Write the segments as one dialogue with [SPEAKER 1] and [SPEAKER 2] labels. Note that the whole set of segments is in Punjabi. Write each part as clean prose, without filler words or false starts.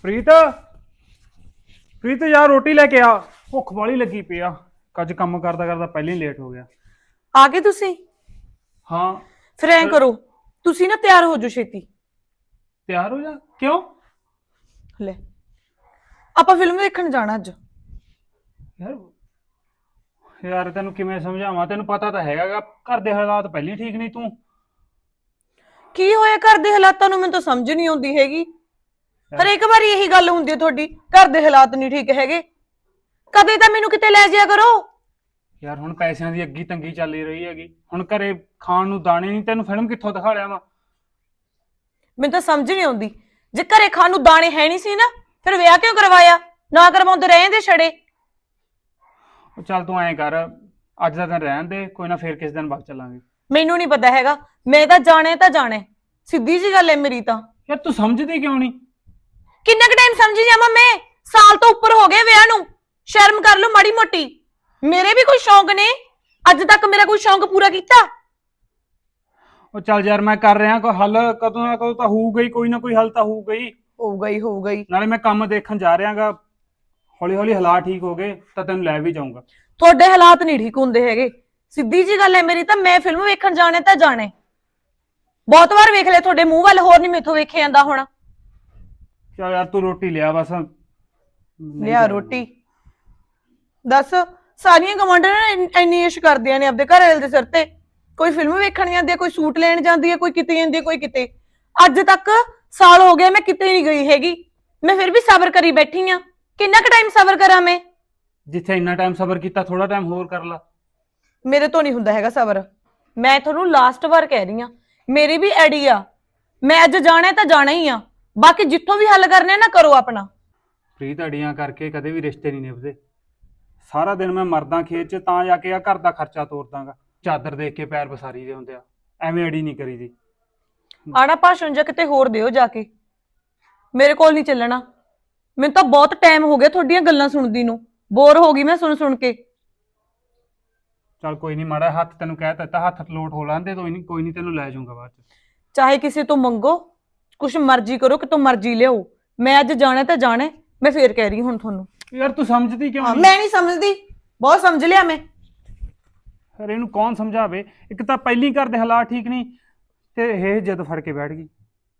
[SPEAKER 1] ਪ੍ਰੀਤ ਪ੍ਰੀਤ ਯਾਰ ਰੋਟੀ ਲੈ ਕੇ ਆ। ਭੁੱਖ ਵਾਲੀ ਲੱਗੀ ਪਈ ਆ। ਅੱਜ ਕੰਮ ਕਰਦਾ ਕਰਦਾ ਪਹਿਲਾਂ ਹੀ ਲੇਟ ਹੋ ਗਿਆ।
[SPEAKER 2] ਆ ਗਏ ਤੁਸੀਂ?
[SPEAKER 1] ਹਾਂ
[SPEAKER 2] ਫਿਰ ਐਂ ਕਰੋ, ਤੁਸੀਂ ਨਾ ਤਿਆਰ ਹੋ ਜਾਓ ਛੇਤੀ।
[SPEAKER 1] ਤਿਆਰ ਹੋ ਜਾ। ਕਿਉਂ?
[SPEAKER 2] ਲੈ, ਆਪਾਂ ਫਿਲਮ ਦੇਖਣ ਜਾਣਾ ਅੱਜ।
[SPEAKER 1] ਯਾਰ ਯਾਰ ਤੈਨੂੰ ਕਿਵੇਂ ਸਮਝਾਵਾਂ? ਤੈਨੂੰ ਪਤਾ ਤਾਂ ਹੈਗਾ ਘਰ ਦੇ ਹਾਲਾਤ ਪਹਿਲਾਂ ਹੀ ਠੀਕ ਨਹੀਂ। ਤੂੰ
[SPEAKER 2] ਕੀ ਹੋਇਆ ਘਰ ਦੇ ਹਾਲਾਤਾਂ ਨੂੰ? ਮੈਨੂੰ ਤਾਂ ਸਮਝ ਨਹੀਂ ਆਉਂਦੀ ਹੈਗੀ। ਹਰੇਕ ਵਾਰੀ ਇਹੀ ਗੱਲ ਹੁੰਦੀ ਹੈ ਤੁਹਾਡੀ, ਘਰ ਦੇ ਹਾਲਾਤ ਨਹੀਂ ਠੀਕ ਹੈਗੇ। ਕਦੇ ਤਾਂ ਮੈਨੂੰ ਕਿਤੇ ਲੈ ਜਾਇਆ ਕਰੋ।
[SPEAKER 1] ਯਾਰ ਹੁਣ ਪੈਸਿਆਂ ਦੀ ਅੱਗੀ ਤੰਗੀ ਚੱਲ ਰਹੀ ਹੈਗੀ। ਹੁਣ ਘਰੇ ਖਾਣ ਨੂੰ ਦਾਣੇ ਨਹੀਂ। ਤੈਨੂੰ ਫਿਲਮ ਕਿੱਥੋਂ ਦਿਖਾ ਲਿਆ ਵਾ?
[SPEAKER 2] ਮੈਨੂੰ ਤਾਂ ਸਮਝ ਨਹੀਂ ਆਉਂਦੀ। ਜੇ ਘਰੇ ਖਾਣ ਨੂੰ ਦਾਣੇ ਹੈ ਨਹੀਂ ਸੀ ਨਾ, ਫਿਰ ਵਿਆਹ ਕਿਉਂ ਕਰਵਾਇਆ? ਨਾ ਕਰਵਾਉਂਦੇ ਰਹੇ ਦੇ ਛੜੇ।
[SPEAKER 1] ਚੱਲ ਤੂੰ ਐਂ ਕਰ, ਅੱਜ ਦਾ ਦਿਨ ਰਹਿਣ ਦੇ, ਕੋਈ ਨਾ ਫੇਰ ਕਿਸ ਦਿਨ ਬਾਅਦ ਚੱਲਾਂਗੇ।
[SPEAKER 2] ਮੈਨੂੰ ਨਹੀਂ ਪਤਾ ਹੈਗਾ, ਮੈਂ ਤਾਂ ਜਾਣਾ ਸਿੱਧੀ ਜੀ ਗੱਲ ਹੈ ਮੇਰੀ ਤਾਂ।
[SPEAKER 1] ਯਾਰ ਤੂੰ ਸਮਝਦੀ ਕਿਉਂ ਨਹੀਂ?
[SPEAKER 2] ਕਿੰਨਾ ਕੁ ਟਾਈਮ ਸਮਝੀ ਜਾਵਾਂ ਮੈਂ? ਸਾਲ ਤੋਂ ਉੱਪਰ ਹੋ ਗਏ ਵਿਆਹ ਨੂੰ। ਸ਼ਰਮ ਕਰ ਲਓ ਮਾੜੀ ਮੋਟੀ। ਮੇਰੇ ਵੀ ਕੋਈ ਸ਼ੌਂਕ ਨੇ, ਅੱਜ ਤੱਕ ਮੇਰਾ ਕੋਈ ਸ਼ੌਂਕ ਪੂਰਾ ਕੀਤਾ?
[SPEAKER 1] ਉਹ ਚੱਲ ਯਾਰ ਮੈਂ ਕਰ ਰਿਹਾ ਕੋਈ ਹੱਲ। ਕਦੋਂ ਨਾ ਕਦੋਂ ਤਾਂ ਹੋਊਗਾ ਹੀ, ਕੋਈ ਨਾ ਕੋਈ ਹੱਲ ਤਾਂ ਹੋਊਗਾ ਹੀ।
[SPEAKER 2] ਹੋਊਗਾ ਹੀ।
[SPEAKER 1] ਨਾਲੇ ਮੈਂ ਕੰਮ ਦੇਖਣ ਜਾ ਰਿਹਾਗਾ। ਹੌਲੀ ਹੌਲੀ ਹਾਲਾਤ ਠੀਕ ਹੋ ਗਏ ਤਾਂ ਤੈਨੂੰ ਲੈ ਵੀ ਜਾਊਂਗਾ।
[SPEAKER 2] ਤੁਹਾਡੇ ਹਾਲਾਤ ਨਹੀਂ ਠੀਕ ਹੁੰਦੇ ਹੈਗੇ। ਸਿੱਧੀ ਜੀ ਗੱਲ ਹੈ ਮੇਰੀ ਤਾਂ, ਮੈਂ ਫਿਲਮ ਵੇਖਣ ਜਾਣੇ ਤਾਂ ਜਾਣੇ। ਬਹੁਤ ਵਾਰ ਵੇਖ ਲਿਆ ਤੁਹਾਡੇ ਮੂੰਹ ਵੱਲ, ਹੋਰ ਨਹੀਂ ਮੇਥੋਂ ਵੇਖਿਆ ਜਾਂਦਾ ਹੁਣ।
[SPEAKER 1] ਚੱਲ ਯਾਰ ਤੂੰ ਰੋਟੀ ਲਿਆ ਬਸ।
[SPEAKER 2] ਲਿਆ ਰੋਟੀ। ਦੱਸ, ਸਾਰੀਆਂ ਗਵਾਂਢਣਾਂ ਇੰਨੀ ਇਸ਼ ਕਰਦੀਆਂ ਨੇ ਆਪਦੇ ਘਰ ਵਾਲੇ ਦੇ ਸਿਰ ਤੇ। ਕੋਈ ਫਿਲਮ ਵੇਖਣ ਜਾਂਦੀ ਹੈ, ਕੋਈ ਸੂਟ ਲੈਣ ਜਾਂਦੀ ਹੈ, ਕੋਈ ਕਿਤੇ ਜਾਂਦੀ ਹੈ, ਕੋਈ ਕਿਤੇ। ਅੱਜ ਤੱਕ ਸਾਲ ਹੋ ਗਿਆ ਮੈਂ ਕਿਤੇ ਨਹੀਂ ਗਈ ਹੈਗੀ। ਮੈਂ ਫਿਰ ਵੀ ਸਬਰ ਕਰੀ ਬੈਠੀ ਆ। ਕਿੰਨਾ ਕੁ ਟਾਈਮ ਸਬਰ ਕਰਾਂ ਮੈਂ?
[SPEAKER 1] ਜਿੱਥੇ ਇੰਨਾ ਟਾਈਮ ਸਬਰ ਕੀਤਾ, ਥੋੜਾ ਟਾਈਮ ਹੋਰ ਕਰ ਲਾ।
[SPEAKER 2] ਮੇਰੇ ਤੋਂ ਨਹੀਂ ਹੁੰਦਾ ਹੈਗਾ ਸਬਰ। ਮੈਂ ਤੁਹਾਨੂੰ ਲਾਸਟ ਵਾਰ ਕਹਿ ਰਹੀ ਆ, ਮੇਰੀ ਵੀ ਐਡੀ ਆ। ਮੈਂ ਅੱਜ ਜਾਣਾ ਤਾਂ ਜਾਣਾ ਹੀ ਆ। ਬਾਕੀ ਜਿੱਥੋਂ ਵੀ ਹੱਲ ਕਰਨੇ ਨਾ ਕਰੋ ਆਪਣਾ।
[SPEAKER 1] ਪ੍ਰੀਤ ਅੜੀਆਂ ਕਰਕੇ ਕਦੇ ਵੀ ਰਿਸ਼ਤੇ ਨਹੀਂ ਨਿਭਦੇ। ਸਾਰਾ ਦਿਨ ਮੈਂ ਮਰਦਾ ਖੇਤ 'ਚ ਤਾਂ ਜਾ ਕੇ ਆ ਘਰ ਦਾ ਖਰਚਾ ਤੋਰਦਾਗਾ। ਚਾਦਰ ਦੇਖ ਕੇ ਪੈਰ ਪਸਾਰੀ ਦੇ ਹੁੰਦੇ ਆ। ਐਵੇਂ ਅੜੀ ਨਹੀਂ ਕਰੀਦੀ।
[SPEAKER 2] ਆਣਾ ਭਾਸ਼ਣ ਜਾਂ ਕਿਤੇ ਹੋਰ ਦਿਓ ਜਾ ਕੇ। ਮੇਰੇ ਕੋਲ ਨਹੀਂ ਚੱਲਣਾ। ਮੈਨੂੰ ਤਾਂ ਬਹੁਤ ਟਾਈਮ ਹੋ ਗਿਆ ਤੁਹਾਡੀਆਂ ਗੱਲਾਂ ਸੁਣਦੀ ਨੂੰ। ਬੋਰ ਹੋ ਗਈ ਮੈਂ ਸੁਣ ਕੇ।
[SPEAKER 1] ਚੱਲ ਕੋਈ ਨਹੀਂ, ਮਾੜਾ ਹੱਥ ਤੈਨੂੰ ਕਹਿ ਦਿੱਤਾ, ਹੱਥ ਲੋਟ ਹੋ ਲਾਂਦੇ। ਕੋਈ ਨਹੀਂ ਤੈਨੂੰ ਲੈ ਜਾਊਂਗਾ ਬਾਅਦ 'ਚ।
[SPEAKER 2] ਚਾਹੇ ਕਿਸੇ ਤੋਂ ਮੰਗੋ, ਕੁਛ ਮਰਜ਼ੀ ਕਰੋ, ਕਿਤੋਂ ਮਰਜ਼ੀ ਲਿਆਓ। ਮੈਂ ਅੱਜ ਜਾਣਾ ਤਾਂ ਜਾਣਾ। ਮੈਂ ਫੇਰ ਕਹਿ ਰਹੀ ਹੁਣ ਤੁਹਾਨੂੰ।
[SPEAKER 1] ਯਾਰ ਤੂੰ ਸਮਝਦੀ ਕਿਉਂ ਨਹੀਂ?
[SPEAKER 2] ਮੈਂ ਨਹੀਂ ਸਮਝਦੀ, ਬਹੁਤ ਸਮਝ ਲਿਆ ਮੈਂ।
[SPEAKER 1] ਫਿਰ ਇਹਨੂੰ ਕੌਣ ਸਮਝਾਵੇ? ਇੱਕ ਤਾਂ ਪਹਿਲੀ ਘਰ ਦੇ ਹਾਲਾਤ ਠੀਕ ਨਹੀਂ, ਤੇ ਇਹ ਜਿੱਦ ਫੜ ਕੇ ਬੈਠ ਗਈ।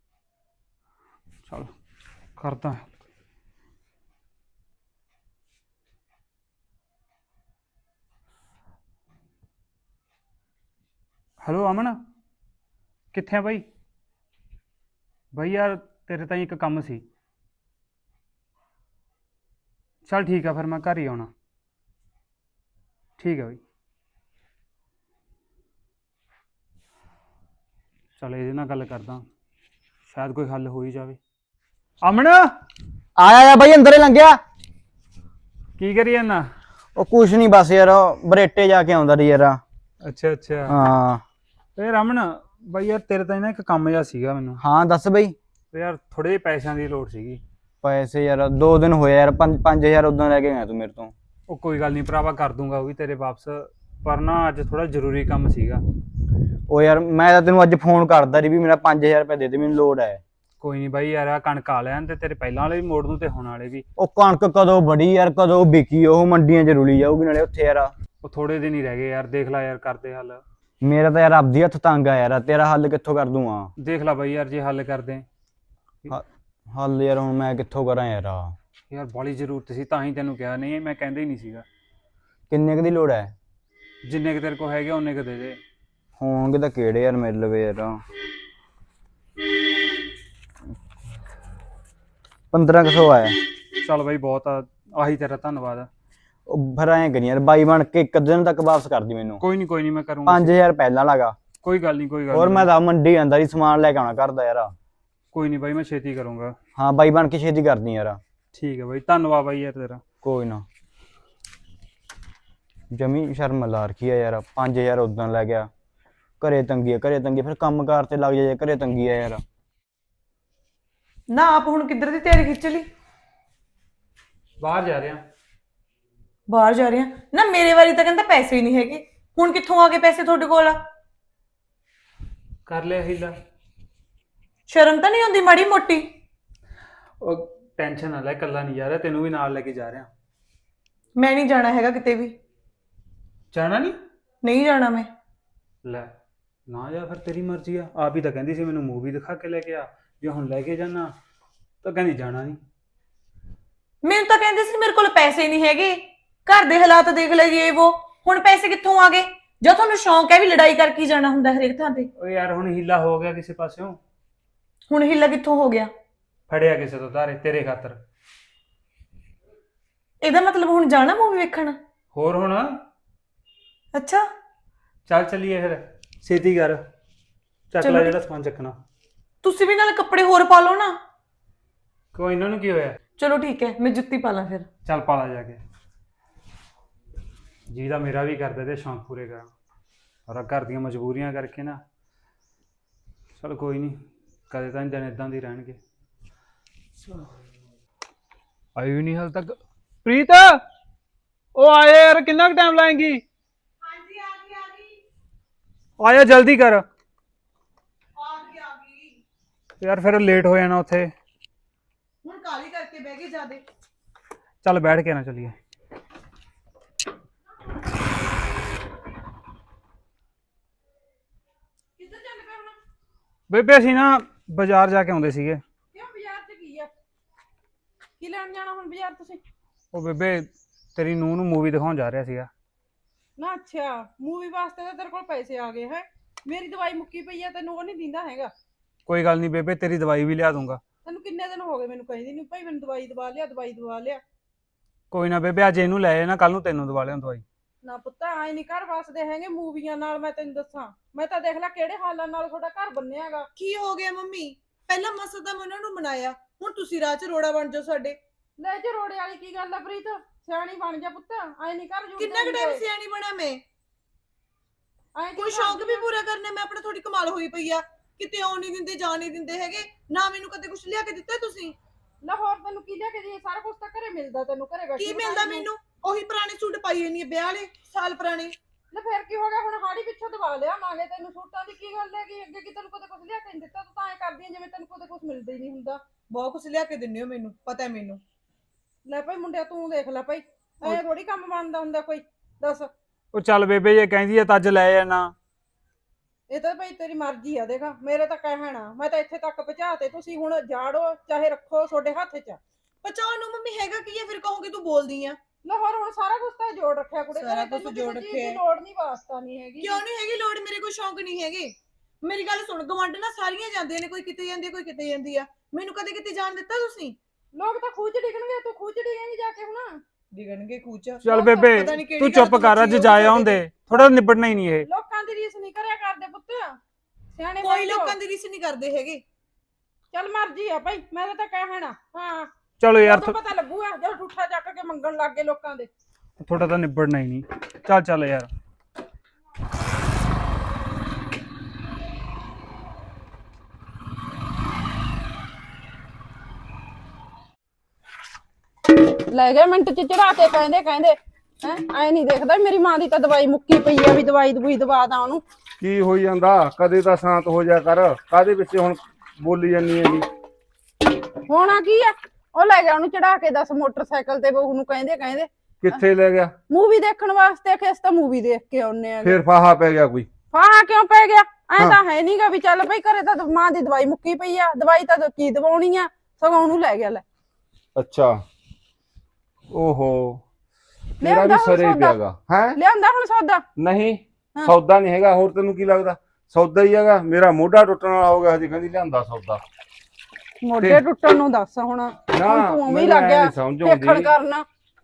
[SPEAKER 1] ਚਲ ਕਰਦਾ। ਹੈਲੋ ਅਮਨ, ਕਿੱਥੇ ਆ ਬਾਈ? ਬਾਈ ਯਾਰ ਤੇਰੇ ਤਾਂ ਇੱਕ ਕੰਮ ਸੀ। ਚੱਲ ਠੀਕ ਆ, ਫਿਰ ਮੈਂ ਘਰ ਹੀ ਆਉਣਾ। ਠੀਕ ਹੈ ਬਾਈ। ਚੱਲ ਇਹਦੇ ਨਾਲ ਗੱਲ ਕਰਦਾ, ਸ਼ਾਇਦ ਕੋਈ ਹੱਲ ਹੋ ਹੀ ਜਾਵੇ। ਅਮਨ
[SPEAKER 3] ਆਇਆ ਬਾਈ, ਅੰਦਰ ਹੀ ਲੰਘਿਆ।
[SPEAKER 1] ਕੀ ਕਰੀ ਜਾਂਦਾ?
[SPEAKER 3] ਉਹ ਕੁਛ ਨਹੀਂ, ਬਸ ਯਾਰ ਬਰੇਟੇ ਜਾ ਕੇ ਆਉਂਦਾ ਸੀ ਯਾਰ।
[SPEAKER 1] ਅੱਛਾ ਅੱਛਾ।
[SPEAKER 3] ਹਾਂ
[SPEAKER 1] ਤੇ ਰਮਨ ਬਾਈ ਯਾਰ ਤੇਰੇ ਤਾਂ ਨਾ ਇੱਕ ਕੰਮ ਜਿਹਾ ਸੀਗਾ ਮੈਨੂੰ।
[SPEAKER 3] ਹਾਂ ਦੱਸ ਬਈ।
[SPEAKER 1] ਤੇ ਯਾਰ ਥੋੜੇ ਜਿਹੇ ਪੈਸਿਆਂ ਦੀ ਲੋੜ ਸੀਗੀ।
[SPEAKER 3] ਪੈਸੇ ਯਾਰ 2 ਦਿਨ ਹੋਏ ਯਾਰ, 5000 ਉਦੋਂ ਲੈ ਕੇ ਗਿਆ ਤੂੰ ਮੇਰੇ ਤੋਂ।
[SPEAKER 1] ਉਹ ਕੋਈ ਗੱਲ ਨਹੀਂ ਭਰਾਵਾ, ਕਰ ਦੂੰਗਾ ਉਹ ਵੀ ਤੇਰੇ ਵਾਪਸ। ਪਰ ਨਾ ਅੱਜ ਥੋੜਾ ਜ਼ਰੂਰੀ ਕੰਮ ਸੀਗਾ।
[SPEAKER 3] ਉਹ ਯਾਰ ਮੈਂ ਤਾਂ ਤੈਨੂੰ ਅੱਜ ਫੋਨ ਕਰਦਾ ਸੀ ਵੀ ਮੇਰਾ 5000 ਰੁਪਏ ਦੇ ਦੇ, ਮੈਨੂੰ ਲੋੜ ਹੈ।
[SPEAKER 1] ਕੋਈ ਨਹੀਂ ਬਾਈ ਯਾਰ, ਆ ਕਣਕ ਆ ਲੈਣ ਤੇ ਤੇਰੇ ਪਹਿਲਾਂ ਵਾਲੇ ਵੀ ਮੋੜ ਦੂੰ ਤੇ ਹੁਣ ਵਾਲੇ ਵੀ।
[SPEAKER 3] ਉਹ ਕਣਕ ਕਦੋਂ ਬੜੀ ਯਾਰ, ਕਦੋਂ ਵਿਕੀ, ਉਹ ਮੰਡੀਆਂ 'ਚ ਰੁਲੀ ਜਾਊਗੀ ਨਾਲੇ ਉੱਥੇ ਯਾਰ।
[SPEAKER 1] ਉਹ ਥੋੜੇ ਦਿਨ ਹੀ ਰਹਿ ਗਏ ਯਾਰ, ਦੇਖ ਲੈ ਯਾਰ ਕਰਦੇ ਹੱਲ।
[SPEAKER 3] ਮੇਰਾ ਤਾਂ ਯਾਰ ਆਪਦੀ ਹੱਥ ਤੰਗ ਆ ਯਾਰ, ਤੇਰਾ ਹੱਲ ਕਿੱਥੋਂ ਕਰ ਦੂੰਗਾ?
[SPEAKER 1] ਦੇਖ ਲੈ ਬਾਈ ਯਾਰ, ਜੇ ਹੱਲ ਕਰਦੇ।
[SPEAKER 3] ਹੱਲ ਯਾਰ ਹੁਣ ਮੈਂ ਕਿੱਥੋਂ ਕਰਾਂ ਯਾਰ?
[SPEAKER 1] ਯਾਰ ਬਾਲੀ ਜ਼ਰੂਰਤ ਸੀ ਤਾਂ ਹੀ ਤੈਨੂੰ ਕਿਹਾ, ਨਹੀਂ ਮੈਂ ਕਹਿੰਦਾ ਹੀ ਨਹੀਂ ਸੀਗਾ।
[SPEAKER 3] ਕਿੰਨੇ ਕੁ ਦੀ ਲੋੜ ਹੈ?
[SPEAKER 1] ਜਿੰਨੇ ਕੁ ਤੇਰੇ ਕੋਲ ਹੈਗੇ ਉਹਨੇ ਕੁ ਦੇ ਦੇ।
[SPEAKER 3] ਹੋਣਗੇ ਤਾਂ ਕਿਹੜੇ ਯਾਰ ਮੇਰੇ ਲਵੇ ਯਾਰ। 1500 ਆਇਆ।
[SPEAKER 1] ਚੱਲ ਬਾਈ ਬਹੁਤ ਆ, ਆਹੀ ਤੇਰਾ ਧੰਨਵਾਦ ਆ।
[SPEAKER 3] ਉਹ ਫਿਰ ਐਂ ਕਰੀ ਯਾਰ, ਬਾਈ ਬਣ ਕੇ ਇੱਕ ਦਿਨ ਤੱਕ ਵਾਪਸ ਕਰ ਦੀ ਮੈਨੂੰ।
[SPEAKER 1] ਕੋਈ ਨਹੀਂ ਮੈਂ ਕਰੂੰਗਾ।
[SPEAKER 3] 5000 ਪਹਿਲਾਂ ਲਗਾ।
[SPEAKER 1] ਕੋਈ ਗੱਲ ਨਹੀਂ
[SPEAKER 3] ਹੋਰ ਮੈਂ ਤਾਂ ਮੰਡੀ ਜਾਂਦਾ ਸੀ, ਸਮਾਨ ਲੈ ਕੇ ਆਉਣਾ ਘਰ ਦਾ ਯਾਰ।
[SPEAKER 1] ਕੋਈ ਨਹੀਂ ਬਾਈ, ਮੈਂ ਛੇਤੀ ਕਰੂੰਗਾ।
[SPEAKER 3] ਹਾਂ ਬਾਈ ਬਣ ਕੇ ਛੇਤੀ ਕਰਦੀ ਯਾਰ।
[SPEAKER 1] ਠੀਕ ਹੈ ਬਾਈ, ਧੰਨਵਾਦ ਬਾਈ ਯਾਰ ਤੇਰਾ।
[SPEAKER 3] ਕੋਈ ਨਾ। ਜਮੀ ਸ਼ਰਮ ਲਾ ਰੱਖੀ ਆ ਯਾਰ, 5000 ਉਦੋਂ ਲੈ ਗਿਆ। ਘਰੇ ਤੰਗੀ ਫਿਰ ਕੰਮ ਕਾਰ ਤੇ ਲੱਗ ਜਾਏ, ਘਰੇ ਤੰਗੀ ਆ ਯਾਰ।
[SPEAKER 2] ਨਾ ਆਪ ਹੁਣ ਕਿੱਧਰ ਦੀ ਤਿਆਰੀ ਖਿੱਚ ਲਈ?
[SPEAKER 1] ਬਾਹਰ ਜਾ ਰਿਹਾ।
[SPEAKER 2] ਬਾਹਰ ਜਾ ਰਹੇ ਆ ਨਾ? ਮੇਰੇ ਵਾਰੀ ਤਾਂ ਕਹਿੰਦਾ ਪੈਸੇ ਹੀ ਨਹੀਂ ਹੈਗੇ। ਹੁਣ ਕਿੱਥੋਂ ਆ ਗਏ ਪੈਸੇ ਤੁਹਾਡੇ ਕੋਲ?
[SPEAKER 1] ਕਰ ਲਿਆ ਹੀਲਾ।
[SPEAKER 2] ਸ਼ਰਮ ਤਾਂ ਨਹੀਂ ਆਉਂਦੀ ਮਾੜੀ ਮੋਟੀ?
[SPEAKER 1] ਉਹ ਟੈਨਸ਼ਨ ਨਾ ਲੈ, ਇਕੱਲਾ ਨਹੀਂ ਜਾ ਰਿਹਾ, ਤੈਨੂੰ ਵੀ ਨਾਲ ਲੈ ਕੇ ਜਾ ਰਿਹਾ।
[SPEAKER 2] ਮੈਂ ਨਹੀਂ ਜਾਣਾ ਹੈਗਾ ਕਿਤੇ ਵੀ।
[SPEAKER 1] ਜਾਣਾ ਨਹੀਂ?
[SPEAKER 2] ਨਹੀਂ ਜਾਣਾ ਮੈਂ।
[SPEAKER 1] ਲੈ ਨਾ ਜਾ ਫਿਰ, ਤੇਰੀ ਮਰਜ਼ੀ ਆ। ਆਪ ਹੀ ਤਾਂ ਕਹਿੰਦੀ ਸੀ ਮੈਨੂੰ ਮੂਵੀ ਦਿਖਾ ਕੇ ਲੈ ਕੇ ਆ, ਜੇ ਹੁਣ ਲੈ ਕੇ ਜਾਣਾ ਤਾਂ ਕਹਿੰਦੀ ਜਾਣਾ ਨਹੀਂ।
[SPEAKER 2] ਮੈਨੂੰ ਤਾਂ ਕਹਿੰਦੇ ਸੀ ਮੇਰੇ ਕੋਲ ਪੈਸੇ ਨਹੀਂ ਹੈਗੇ, ਘਰ ਦੇ ਹਾਲਾਤ ਦੇਖ ਲੈ ਇਹ ਉਹ, ਹੁਣ ਪੈਸੇ ਕਿੱਥੋਂ ਆ ਗਏ? ਜੋ ਤੁਹਾਨੂੰ ਸ਼ੌਂਕ ਹੈ ਵੀ ਲੜਾਈ ਕਰਕੇ ਹੀ ਜਾਣਾ ਹੁੰਦਾ ਹਰੇਕ ਥਾਂ ਤੇ।
[SPEAKER 1] ਓ ਯਾਰ ਹੁਣ ਹੀਲਾ ਹੋ ਗਿਆ ਕਿਸੇ ਪਾਸਿਓਂ।
[SPEAKER 2] ਹੁਣ ਹਿੱਲਾ ਕਿੱਥੋਂ ਹੋ ਗਿਆ?
[SPEAKER 1] ਫੜਿਆ ਕਿਸੇ ਤੋਂ ਧਾਰੇ ਤੇਰੇ ਖਾਤਰ।
[SPEAKER 2] ਇਹਦਾ ਮਤਲਬ ਹੁਣ ਜਾਣਾ ਮੂਵੀ ਵੇਖਣ?
[SPEAKER 1] ਹੋਰ ਹੁਣ
[SPEAKER 2] ਅੱਛਾ
[SPEAKER 1] ਚੱਲ ਚੱਲੀਏ ਫਿਰ, ਛੇਤੀ ਕਰ, ਚੱਕ
[SPEAKER 2] ਚਲੋ
[SPEAKER 1] ਲੈ
[SPEAKER 2] ਠੀਕ।
[SPEAKER 1] ਜਿਹੜਾ ਸਮਾਨ ਚੱਕਣਾ।
[SPEAKER 2] ਤੁਸੀਂ ਵੀ ਨਾਲ ਕੱਪੜੇ ਹੋਰ ਪਾ ਲਓ ਨਾ।
[SPEAKER 1] ਕੋਈ ਇਹਨਾਂ ਨੂੰ ਕੀ ਹੋਇਆ?
[SPEAKER 2] ਚਲੋ ਠੀਕ ਹੈ, ਮੈਂ ਜੁੱਤੀ ਪਾ ਲਾਂ ਫਿਰ।
[SPEAKER 1] ਚੱਲ ਪਾਲਾ ਜਾ ਕੇ। ਜਿਹਦਾ ਮੇਰਾ ਵੀ ਕਰਦਾ ਤੇ ਸ਼ੌਂਕ ਪੂਰੇ ਕਰਾਂ, ਔਰ ਘਰ ਦੀਆਂ ਮਜਬੂਰੀਆਂ ਕਰਕੇ ਨਾ। ਚਲ ਕੋਈ ਨਹੀਂ, ਕਦੇ ਤਾਂ ਦਿਨ ਇਦਾਂ ਦੀ ਰਹਿਣਗੇ। ਆਈ ਵੀ ਨਹੀਂ ਹਾਲ ਤੱਕ। ਪ੍ਰੀਤ ਉਹ ਆਇਆ ਯਾਰ, ਕਿੰਨਾ ਕੁ ਟਾਈਮ ਲਾਏਂਗੀ?
[SPEAKER 2] ਹਾਂਜੀ ਆ ਗਈ।
[SPEAKER 1] ਆਇਆ ਜਲਦੀ ਕਰ
[SPEAKER 2] ਆ ਗਈ।
[SPEAKER 1] ਯਾਰ, ਫਿਰ ਲੇਟ ਹੋ ਜਾਣਾ ਉੱਥੇ।
[SPEAKER 2] ਹੁਣ ਕਾਲੀ ਕਰਕੇ ਬਹਿ ਗਏ ਜਾਦੇ।
[SPEAKER 1] ਚੱਲ ਬੈਠ ਕੇ ਨਾ ਚੱਲੀਏ।
[SPEAKER 2] ਕਿੱਧਰ ਚੱਲ ਪਏ ਹੁਣ?
[SPEAKER 1] ਬੇਬੇ ਅਸੀਂ ਨਾ ਬਾਜ਼ਾਰ ਜਾ ਕੇ ਆਉਂਦੇ ਸੀਗੇ।
[SPEAKER 2] ਕਿਉਂ ਬਾਜ਼ਾਰ 'ਚ ਕੀ ਆ? ਕੀ ਲੈਣ ਜਾਣਾ ਹੁਣ ਬਾਜ਼ਾਰ ਤੁਸੀਂ?
[SPEAKER 1] ਉਹ ਬੇਬੇ ਤੇਰੀ ਨੂੰਹ ਨੂੰ ਮੂਵੀ ਦਿਖਾਉਣ ਜਾ ਰਿਹਾ ਸੀਗਾ।
[SPEAKER 4] ਨਾ ਅੱਛਾ, ਮੂਵੀ ਵਾਸਤੇ ਤਾਂ ਤੇਰੇ ਕੋਲ ਪੈਸੇ ਆ ਗਏ ਹੈ। ਮੇਰੀ ਦਵਾਈ ਮੁੱਕੀ ਪਈ ਆ, ਤੈਨੂੰ ਉਹ ਨਹੀਂ ਦਿੰਦਾ ਹੈਗਾ।
[SPEAKER 1] ਕੋਈ ਗੱਲ ਨਹੀਂ ਬੇਬੇ, ਤੇਰੀ ਦਵਾਈ ਵੀ ਲਿਆ ਦੂੰਗਾ।
[SPEAKER 4] ਤੈਨੂੰ ਕਿੰਨੇ ਦਿਨ ਹੋ ਗਏ ਮੈਨੂੰ ਕਹਿੰਦੀ ਨਹੀਂ ਭਾਈ ਮੈਨੂੰ ਦਵਾਈ ਦਵਾ ਲਿਆ, ਦਵਾਈ ਦਵਾ ਲਿਆ।
[SPEAKER 1] ਕੋਈ ਨਾ ਬੇਬੇ, ਅੱਜ ਇਹਨੂੰ ਲੈ ਜਾਣਾ, ਕੱਲ ਨੂੰ ਤੈਨੂੰ ਦਵਾ ਲਿਆ ਦਵਾਈ।
[SPEAKER 4] ਨਾ ਪੁੱਤ ਆਏ ਨਹੀਂ ਘਰ ਵਸਦੇ ਹੈਗੇ ਮੂਵੀਆਂ ਨਾਲ। ਮੈਂ ਤੈਨੂੰ ਦੱਸਾਂ, ਮੈਂ ਤਾਂ ਦੇਖ ਲੈ ਕਿਹੜੇ ਹਾਲਾਂ ਨਾਲ ਤੁਹਾਡਾ ਘਰ ਬੰਨਿਆਗਾ।
[SPEAKER 2] ਕੀ ਹੋ ਗਿਆ ਮੰਮੀ? ਪਹਿਲਾਂ ਮਸਾ ਤਾਂ ਮੈਂ ਉਹਨਾਂ ਨੂੰ ਮਨਾਇਆ, ਹੁਣ ਤੁਸੀਂ ਰਾਹ 'ਚ ਰੋੜਾ ਬਣ ਜਾਓ ਸਾਡੇ।
[SPEAKER 4] ਲੈ ਜੇ ਰੋੜੇ ਵਾਲੀ ਕੀ ਗੱਲ ਆ ਪ੍ਰੀਤ, ਸਿਆਣੀ ਬਣ ਜਾ ਪੁੱਤ। ਆਏ ਨਹੀਂ ਘਰ ਜੁੜਦੇ
[SPEAKER 2] ਕਿੰਨਾ ਕੁ ਟਾਈਮ ਸਿਆਣੀ ਬਣਾ ਮੈਂ? ਕੋਈ ਸ਼ੌਂਕ ਵੀ ਪੂਰਾ ਕਰਨਾ, ਮੈਂ ਆਪਣਾ ਥੋੜੀ ਕਮਾਲ ਹੋਈ ਪਈ ਆ। ਕਿਤੇ ਆਉਣ ਨਹੀਂ ਦਿੰਦੇ, ਜਾਣ ਨਹੀਂ ਦਿੰਦੇ ਹੈਗੇ ਨਾ। ਮੈਨੂੰ ਕਦੇ ਕੁਝ ਲਿਆ ਕੇ ਦਿੱਤਾ ਤੁਸੀਂ?
[SPEAKER 4] ਲਾਹੌਰ ਤੈਨੂੰ ਕੀ ਲਿਆ ਕੇ ਦੇ? ਸਾਰਾ ਕੁਝ ਤਾਂ ਘਰੇ ਮਿਲਦਾ ਤੈਨੂੰ, ਘਰੇ ਬੈਠੀ
[SPEAKER 2] ਕੀ ਮਿਲਦਾ ਮੈਨੂੰ? ਉਹੀ ਪੁਰਾਣੇ ਸੂਟ ਪਾਈ ਹੋਈ ਨਹੀਂ, ਵਿਆਹ ਵਾਲੇ ਸਾਲ ਪੁਰਾਣੇ।
[SPEAKER 4] ਲੈ ਫਿਰ ਕੀ ਹੋ ਗਿਆ? ਹੁਣ ਹਾੜੀ ਪਿੱਛੋਂ ਦਵਾ ਲਿਆ ਮਾਂਗੇ ਤੈਨੂੰ ਸੂਟਾਂ ਦੀ ਕੀ ਗੱਲ ਹੈਗੀ? ਅੱਗੇ ਕੀ ਤੈਨੂੰ ਕਦੇ ਕੁਝ ਲਿਆ ਕੇ ਨਹੀਂ ਦਿੱਤਾ? ਤੂੰ ਤਾਂ ਐ ਕਰਦੀ ਆਂ ਜਿਵੇਂ ਤੈਨੂੰ ਕਦੇ ਕੁਝ ਮਿਲਦਾ ਹੀ ਨਹੀਂ ਹੁੰਦਾ।
[SPEAKER 2] ਬਹੁਤ ਕੁਝ ਲਿਆ ਕੇ ਦਿੰਦੇ ਹੋ ਮੈਨੂੰ, ਪਤਾ ਹੈ ਮੈਨੂੰ।
[SPEAKER 4] ਲੈ ਭਾਈ ਮੁੰਡਿਆ ਤੂੰ ਦੇਖ ਲੈ ਭਾਈ, ਐ ਥੋੜੀ ਕੰਮ ਬਣਦਾ ਹੁੰਦਾ ਕੋਈ, ਦੱਸ।
[SPEAKER 1] ਉਹ ਚੱਲ ਬੇਬੇ, ਜੇ ਕਹਿੰਦੀ ਹੈ ਤਾਂ ਅੱਜ ਲੈ ਜਾਣਾ।
[SPEAKER 4] ਇਹ ਤਾਂ ਭਾਈ ਤੇਰੀ ਮਰਜ਼ੀ ਆ। ਦੇਖ ਮੇਰੇ ਤਾਂ ਕਹਿਣਾ, ਮੈਂ ਤਾਂ ਇੱਥੇ ਤੱਕ ਪਹੁੰਚਾਤੇ, ਤੁਸੀਂ ਹੁਣ ਜਾੜੋ ਚਾਹੇ ਰੱਖੋ ਤੁਹਾਡੇ ਹੱਥ 'ਚ।
[SPEAKER 2] ਪਚਾਉਣ ਨੂੰ ਮੰਮੀ ਹੈਗਾ ਕੀ ਹੈ? ਫਿਰ ਕਹੋਗੇ ਤੂੰ ਬੋਲਦੀ ਆ।
[SPEAKER 4] ਲਾਹੌਰ ਹੁਣ ਸਾਰਾ ਕੁਝ ਤਾਂ ਜੋੜ ਰੱਖਿਆ ਕੁੜੇ,
[SPEAKER 2] ਸਾਰਾ
[SPEAKER 4] ਤੈਨੂੰ
[SPEAKER 2] ਕੁਛ
[SPEAKER 4] ਕਿਸੇ
[SPEAKER 2] ਜੋੜ
[SPEAKER 4] ਚੀਜ਼
[SPEAKER 2] ਰੱਖਿਆ।
[SPEAKER 4] ਦੀ ਲੋੜ ਨਹੀਂ, ਵਾਸਤਾ ਨਹੀਂ ਹੈਗੀ।
[SPEAKER 2] ਕਿਉਂ ਨਹੀਂ ਹੈਗੀ ਲੋੜ? ਮੇਰੇ ਕੋਈ ਸ਼ੌਂਕ ਨਹੀਂ ਹੈਗੇ। ਮੇਰੀ ਗੱਲ ਸੁਣ, ਗਵਾਂਢਣਾ ਸਾਰੀਆਂ ਜਾਂਦੀਆਂ ਨੇ, ਕੋਈ ਕਿਤੇ ਜਾਂਦੀ ਹੈ, ਕੋਈ ਕਿਤੇ ਜਾਂਦੀ ਆ। ਮੈਨੂੰ ਕਦੇ ਕਿਤੇ ਜਾਣ ਦਿੱਤਾ ਤੁਸੀਂ?
[SPEAKER 4] ਲੋਕ ਤਾਂ ਖੂਚ ਡਿੱਗਣਗੇ, ਤੂੰ ਖੂਚ ਡਿੱਗੇਂਗੀ ਜਾ ਕੇ ਹੁਣ।
[SPEAKER 2] ਡਿਗਣਗੇ ਕੂਚ।
[SPEAKER 1] ਚੱਲ ਬੇਬੇ
[SPEAKER 2] ਪਤਾ ਨੀ ਕਿਹੜੀ
[SPEAKER 1] ਤੂੰ
[SPEAKER 2] ਗੱਲ
[SPEAKER 1] ਚੁੱਪ ਕਰ, ਅੱਜ ਜਾਇਆ ਹੁੰਦੇ, ਥੋੜਾ ਨਿਬੜਨਾ ਹੀ ਨਹੀਂ ਇਹ।
[SPEAKER 4] ਲੋਕਾਂ ਦੀ ਰੀਸ ਨਹੀਂ ਕਰਿਆ ਕਰਦੇ ਪੁੱਤ, ਸਿਆਣੇ
[SPEAKER 2] ਕੋਈ
[SPEAKER 4] ਬਣ ਜਾਓ।
[SPEAKER 2] ਲੋਕਾਂ ਦੀ ਰੀਸ ਨਹੀਂ ਕਰਦੇ ਹੈਗੇ।
[SPEAKER 4] ਚੱਲ ਮਰਜ਼ੀ ਆ ਭਾਈ, ਮੈਂ ਤਾਂ ਕਹਿਣਾ। ਹਾਂ
[SPEAKER 1] ਚਲੋ ਯਾਰ,
[SPEAKER 4] ਉਦੋਂ ਪਤਾ ਲੱਗੂਗਾ ਜਦੋਂ ਠੂਠਾ ਚੱਕ ਕੇ ਮੰਗਣ ਲੱਗ ਗਏ ਲੋਕਾਂ ਦੇ।
[SPEAKER 1] ਥੋੜਾ ਤਾਂ ਨਿਬੜਨਾ ਹੀ ਨਹੀਂ। ਚੱਲ ਚੱਲ ਯਾਰ।
[SPEAKER 4] ਲੈ ਗਏ ਮਿੰਟ ਚ ਚੜਾ ਕੇ, ਕਹਿੰਦੇ ਹੈ ਐ ਨਹੀਂ ਦੇਖਦਾ ਮੇਰੀ ਮਾਂ ਦੀ ਤਾਂ ਦਵਾਈ ਮੁੱਕੀ ਪਈ ਆ, ਵੀ ਦਵਾਈ ਦਵੂਈ ਦਵਾ ਦਾਂ ਉਹਨੂੰ।
[SPEAKER 5] ਕੀ ਹੋਈ ਜਾਂਦਾ? ਕਦੇ ਤਾਂ ਸ਼ਾਂਤ ਹੋ ਜਾ ਕਰ, ਕਾਦੇ ਵਿੱਚ ਹੁਣ ਬੋਲੀ ਜਾਂਦੀ ਹੈਗੀ?
[SPEAKER 4] ਹੋਣਾ ਕੀ ਆ, ਉਹ ਲੈ ਗਿਆ ਉਹਨੂੰ ਚੜਾ ਕੇ 10 ਮੋਟਰਸਾਈਕਲ ਤੇ, ਬਹੂ ਨੂੰ ਕਹਿੰਦੇ
[SPEAKER 5] ਕਿੱਥੇ ਲੈ ਗਿਆ?
[SPEAKER 4] ਮੂਵੀ ਦੇਖਣ ਵਾਸਤੇ। ਕਿਸ ਤਾਂ ਮੂਵੀ ਦੇਖ ਕੇ ਆਉਨੇ ਆ।
[SPEAKER 5] ਫੇਰ ਫਾਹਾ ਪੈ ਗਿਆ ਕੋਈ?
[SPEAKER 4] ਫਾਹਾ ਕਿਉਂ ਪੈ ਗਿਆ? ਐ
[SPEAKER 5] ਹਾਂ।
[SPEAKER 4] ਤਾਂ ਹੈ ਨਹੀਂਗਾ ਵੀ ਚੱਲ ਭਾਈ ਘਰੇ ਤਾਂ ਮਾਂ ਦੀ ਦਵਾਈ ਮੁੱਕੀ ਪਈ ਆ, ਦਵਾਈ ਤਾਂ ਕੀ ਦਵਾਉਣੀ ਆ, ਸਗੋਂ ਉਹਨੂੰ ਲੈ ਗਿਆ। ਲੈ
[SPEAKER 5] ਅੱਛਾ, ਓਹੋ, ਤੇਰਾ
[SPEAKER 4] ਲਿਆਂਦਾ
[SPEAKER 5] ਵੀ
[SPEAKER 4] ਹੁਣ
[SPEAKER 5] ਸਰੇ
[SPEAKER 4] ਸੌਦਾ।
[SPEAKER 5] ਪਿਆਗਾ ਹੈ?
[SPEAKER 4] ਲਿਆਂਦਾ ਹੁਣ ਸੌਦਾ?
[SPEAKER 5] ਨਹੀਂ,
[SPEAKER 4] ਹਾਂ।
[SPEAKER 5] ਸੌਦਾ ਨਹੀਂ ਹੈਗਾ। ਹੋਰ ਤੈਨੂੰ ਕੀ ਲੱਗਦਾ ਸੌਦਾ ਹੀ ਹੈਗਾ? ਮੇਰਾ ਮੋਢਾ ਟੁੱਟਣ ਵਾਲਾ ਹੋ ਗਿਆ, ਹਜੇ ਕਹਿੰਦੀ ਲਿਆਂਦਾ ਸੌਦਾ।
[SPEAKER 4] ਮੋਢੇ ਟੁੱਟਣ ਨੂੰ ਦੱਸ ਹੁਣ
[SPEAKER 5] ਨਾ,
[SPEAKER 4] ਤੂੰ ਉਵੇਂ ਹੀ
[SPEAKER 5] ਮੈਨੂੰ
[SPEAKER 4] ਲੱਗ
[SPEAKER 5] ਐਂ
[SPEAKER 4] ਗਿਆ
[SPEAKER 5] ਨੀ ਸਮਝ
[SPEAKER 4] ਦੇਖਣ
[SPEAKER 5] ਆਉਂਦੀ।
[SPEAKER 4] ਕਰਨਾ।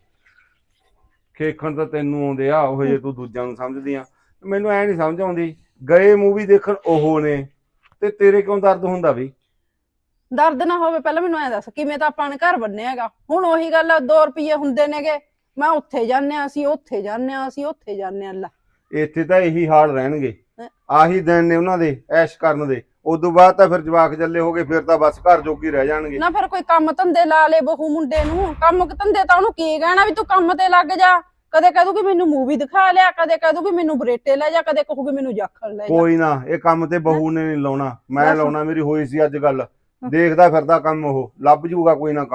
[SPEAKER 5] ਖੇਖਣ ਤਾਂ ਤੈਨੂੰ ਆਉਂਦੇ ਆ, ਉਹ ਜੇ ਤੂੰ ਦੂਜਿਆਂ ਨੂੰ ਸਮਝਦੀ ਆ। ਮੈਨੂੰ ਐ ਨਹੀਂ ਸਮਝ ਆਉਂਦੀ, ਗਏ ਮੂਵੀ ਦੇਖਣ ਉਹ ਨੇ, ਤੇ ਤੇਰੇ ਕਿਉਂ ਦਰਦ ਹੁੰਦਾ ਵੀ?
[SPEAKER 4] ਦਰਦ ਨਾ ਹੋਵੇ ਪਹਿਲਾਂ ਮੈਨੂੰ ਐ ਦੱਸ, ਕਿਵੇਂ ਤਾਂ ਆਪਾਂ ਨੇ ਘਰ ਬੰਨਿਆ ਹੈਗਾ। ਹੁਣ ਉਹੀ ਗੱਲ ਆ, 2 ਰੁਪਏ ਹੁੰਦੇ ਨੇਗੇ, ਮੈਂ ਉੱਥੇ ਜਾਂਦੇ ਆ, ਅਸੀਂ ਉੱਥੇ ਜਾਂਦੇ ਆ, ਅਸੀਂ ਉੱਥੇ ਜਾਂਦੇ ਆ। ਲੈ
[SPEAKER 5] ਇੱਥੇ ਤਾਂ ਇਹੀ ਹਾਲ ਰਹਿਣਗੇ,
[SPEAKER 4] ਹੈਂ?
[SPEAKER 5] ਆਹੀ ਦਿਨ ਨੇ ਉਹਨਾਂ ਦੇ ਐਸ਼ ਕਰਨ ਦੇ। ਉਦੋਂ ਬਾਅਦ ਤਾਂ ਫਿਰ ਜਵਾਕ ਚੱਲੇ ਹੋ ਗਏ, ਫਿਰ ਤਾਂ ਬਸ ਘਰ ਜੋਗੀ ਰਹਿ ਜਾਣਗੇ।
[SPEAKER 4] ਨਾ ਫਿਰ ਕੋਈ ਕੰਮ ਧੰਦੇ ਲਾ ਲੇ ਬਹੂ ਮੁੰਡੇ ਨੂੰ। ਕੰਮ ਧੰਦੇ ਤਾਂ ਉਹਨੂੰ ਕੀ ਕਹਿਣਾ ਵੀ ਤੂੰ ਕੰਮ ਤੇ ਲੱਗ ਜਾ। ਕਦੇ ਕਹਿ ਦੂਗੀ ਮੈਨੂੰ ਮੂਵੀ ਦਿਖਾ ਲਿਆ, ਕਦੇ ਕਹਿ ਦੂਗੀ ਮੈਨੂੰ ਬਰੇਟੇ ਲੈ ਜਾ, ਕਦੇ ਕਹੂਗੀ ਮੈਨੂੰ ਜਾਖੜ ਲੈ ਜਾ।
[SPEAKER 5] ਕੋਈ ਨਾ, ਇਹ ਕੰਮ ਤੇ ਬਹੂ ਨੇ ਨਹੀਂ ਲਾਉਣਾ, ਮੈਂ
[SPEAKER 4] ਬਸ।
[SPEAKER 5] ਲਾਉਣਾ। ਮੇਰੀ ਹੋਈ ਸੀ ਅੱਜ ਗੱਲ, ਦੇਖਦਾ ਫਿਰਦਾ ਕੰਮ, ਉਹ ਲੱਭ ਜੂਗਾ ਕੋਈ ਨਾ ਕੰਮ।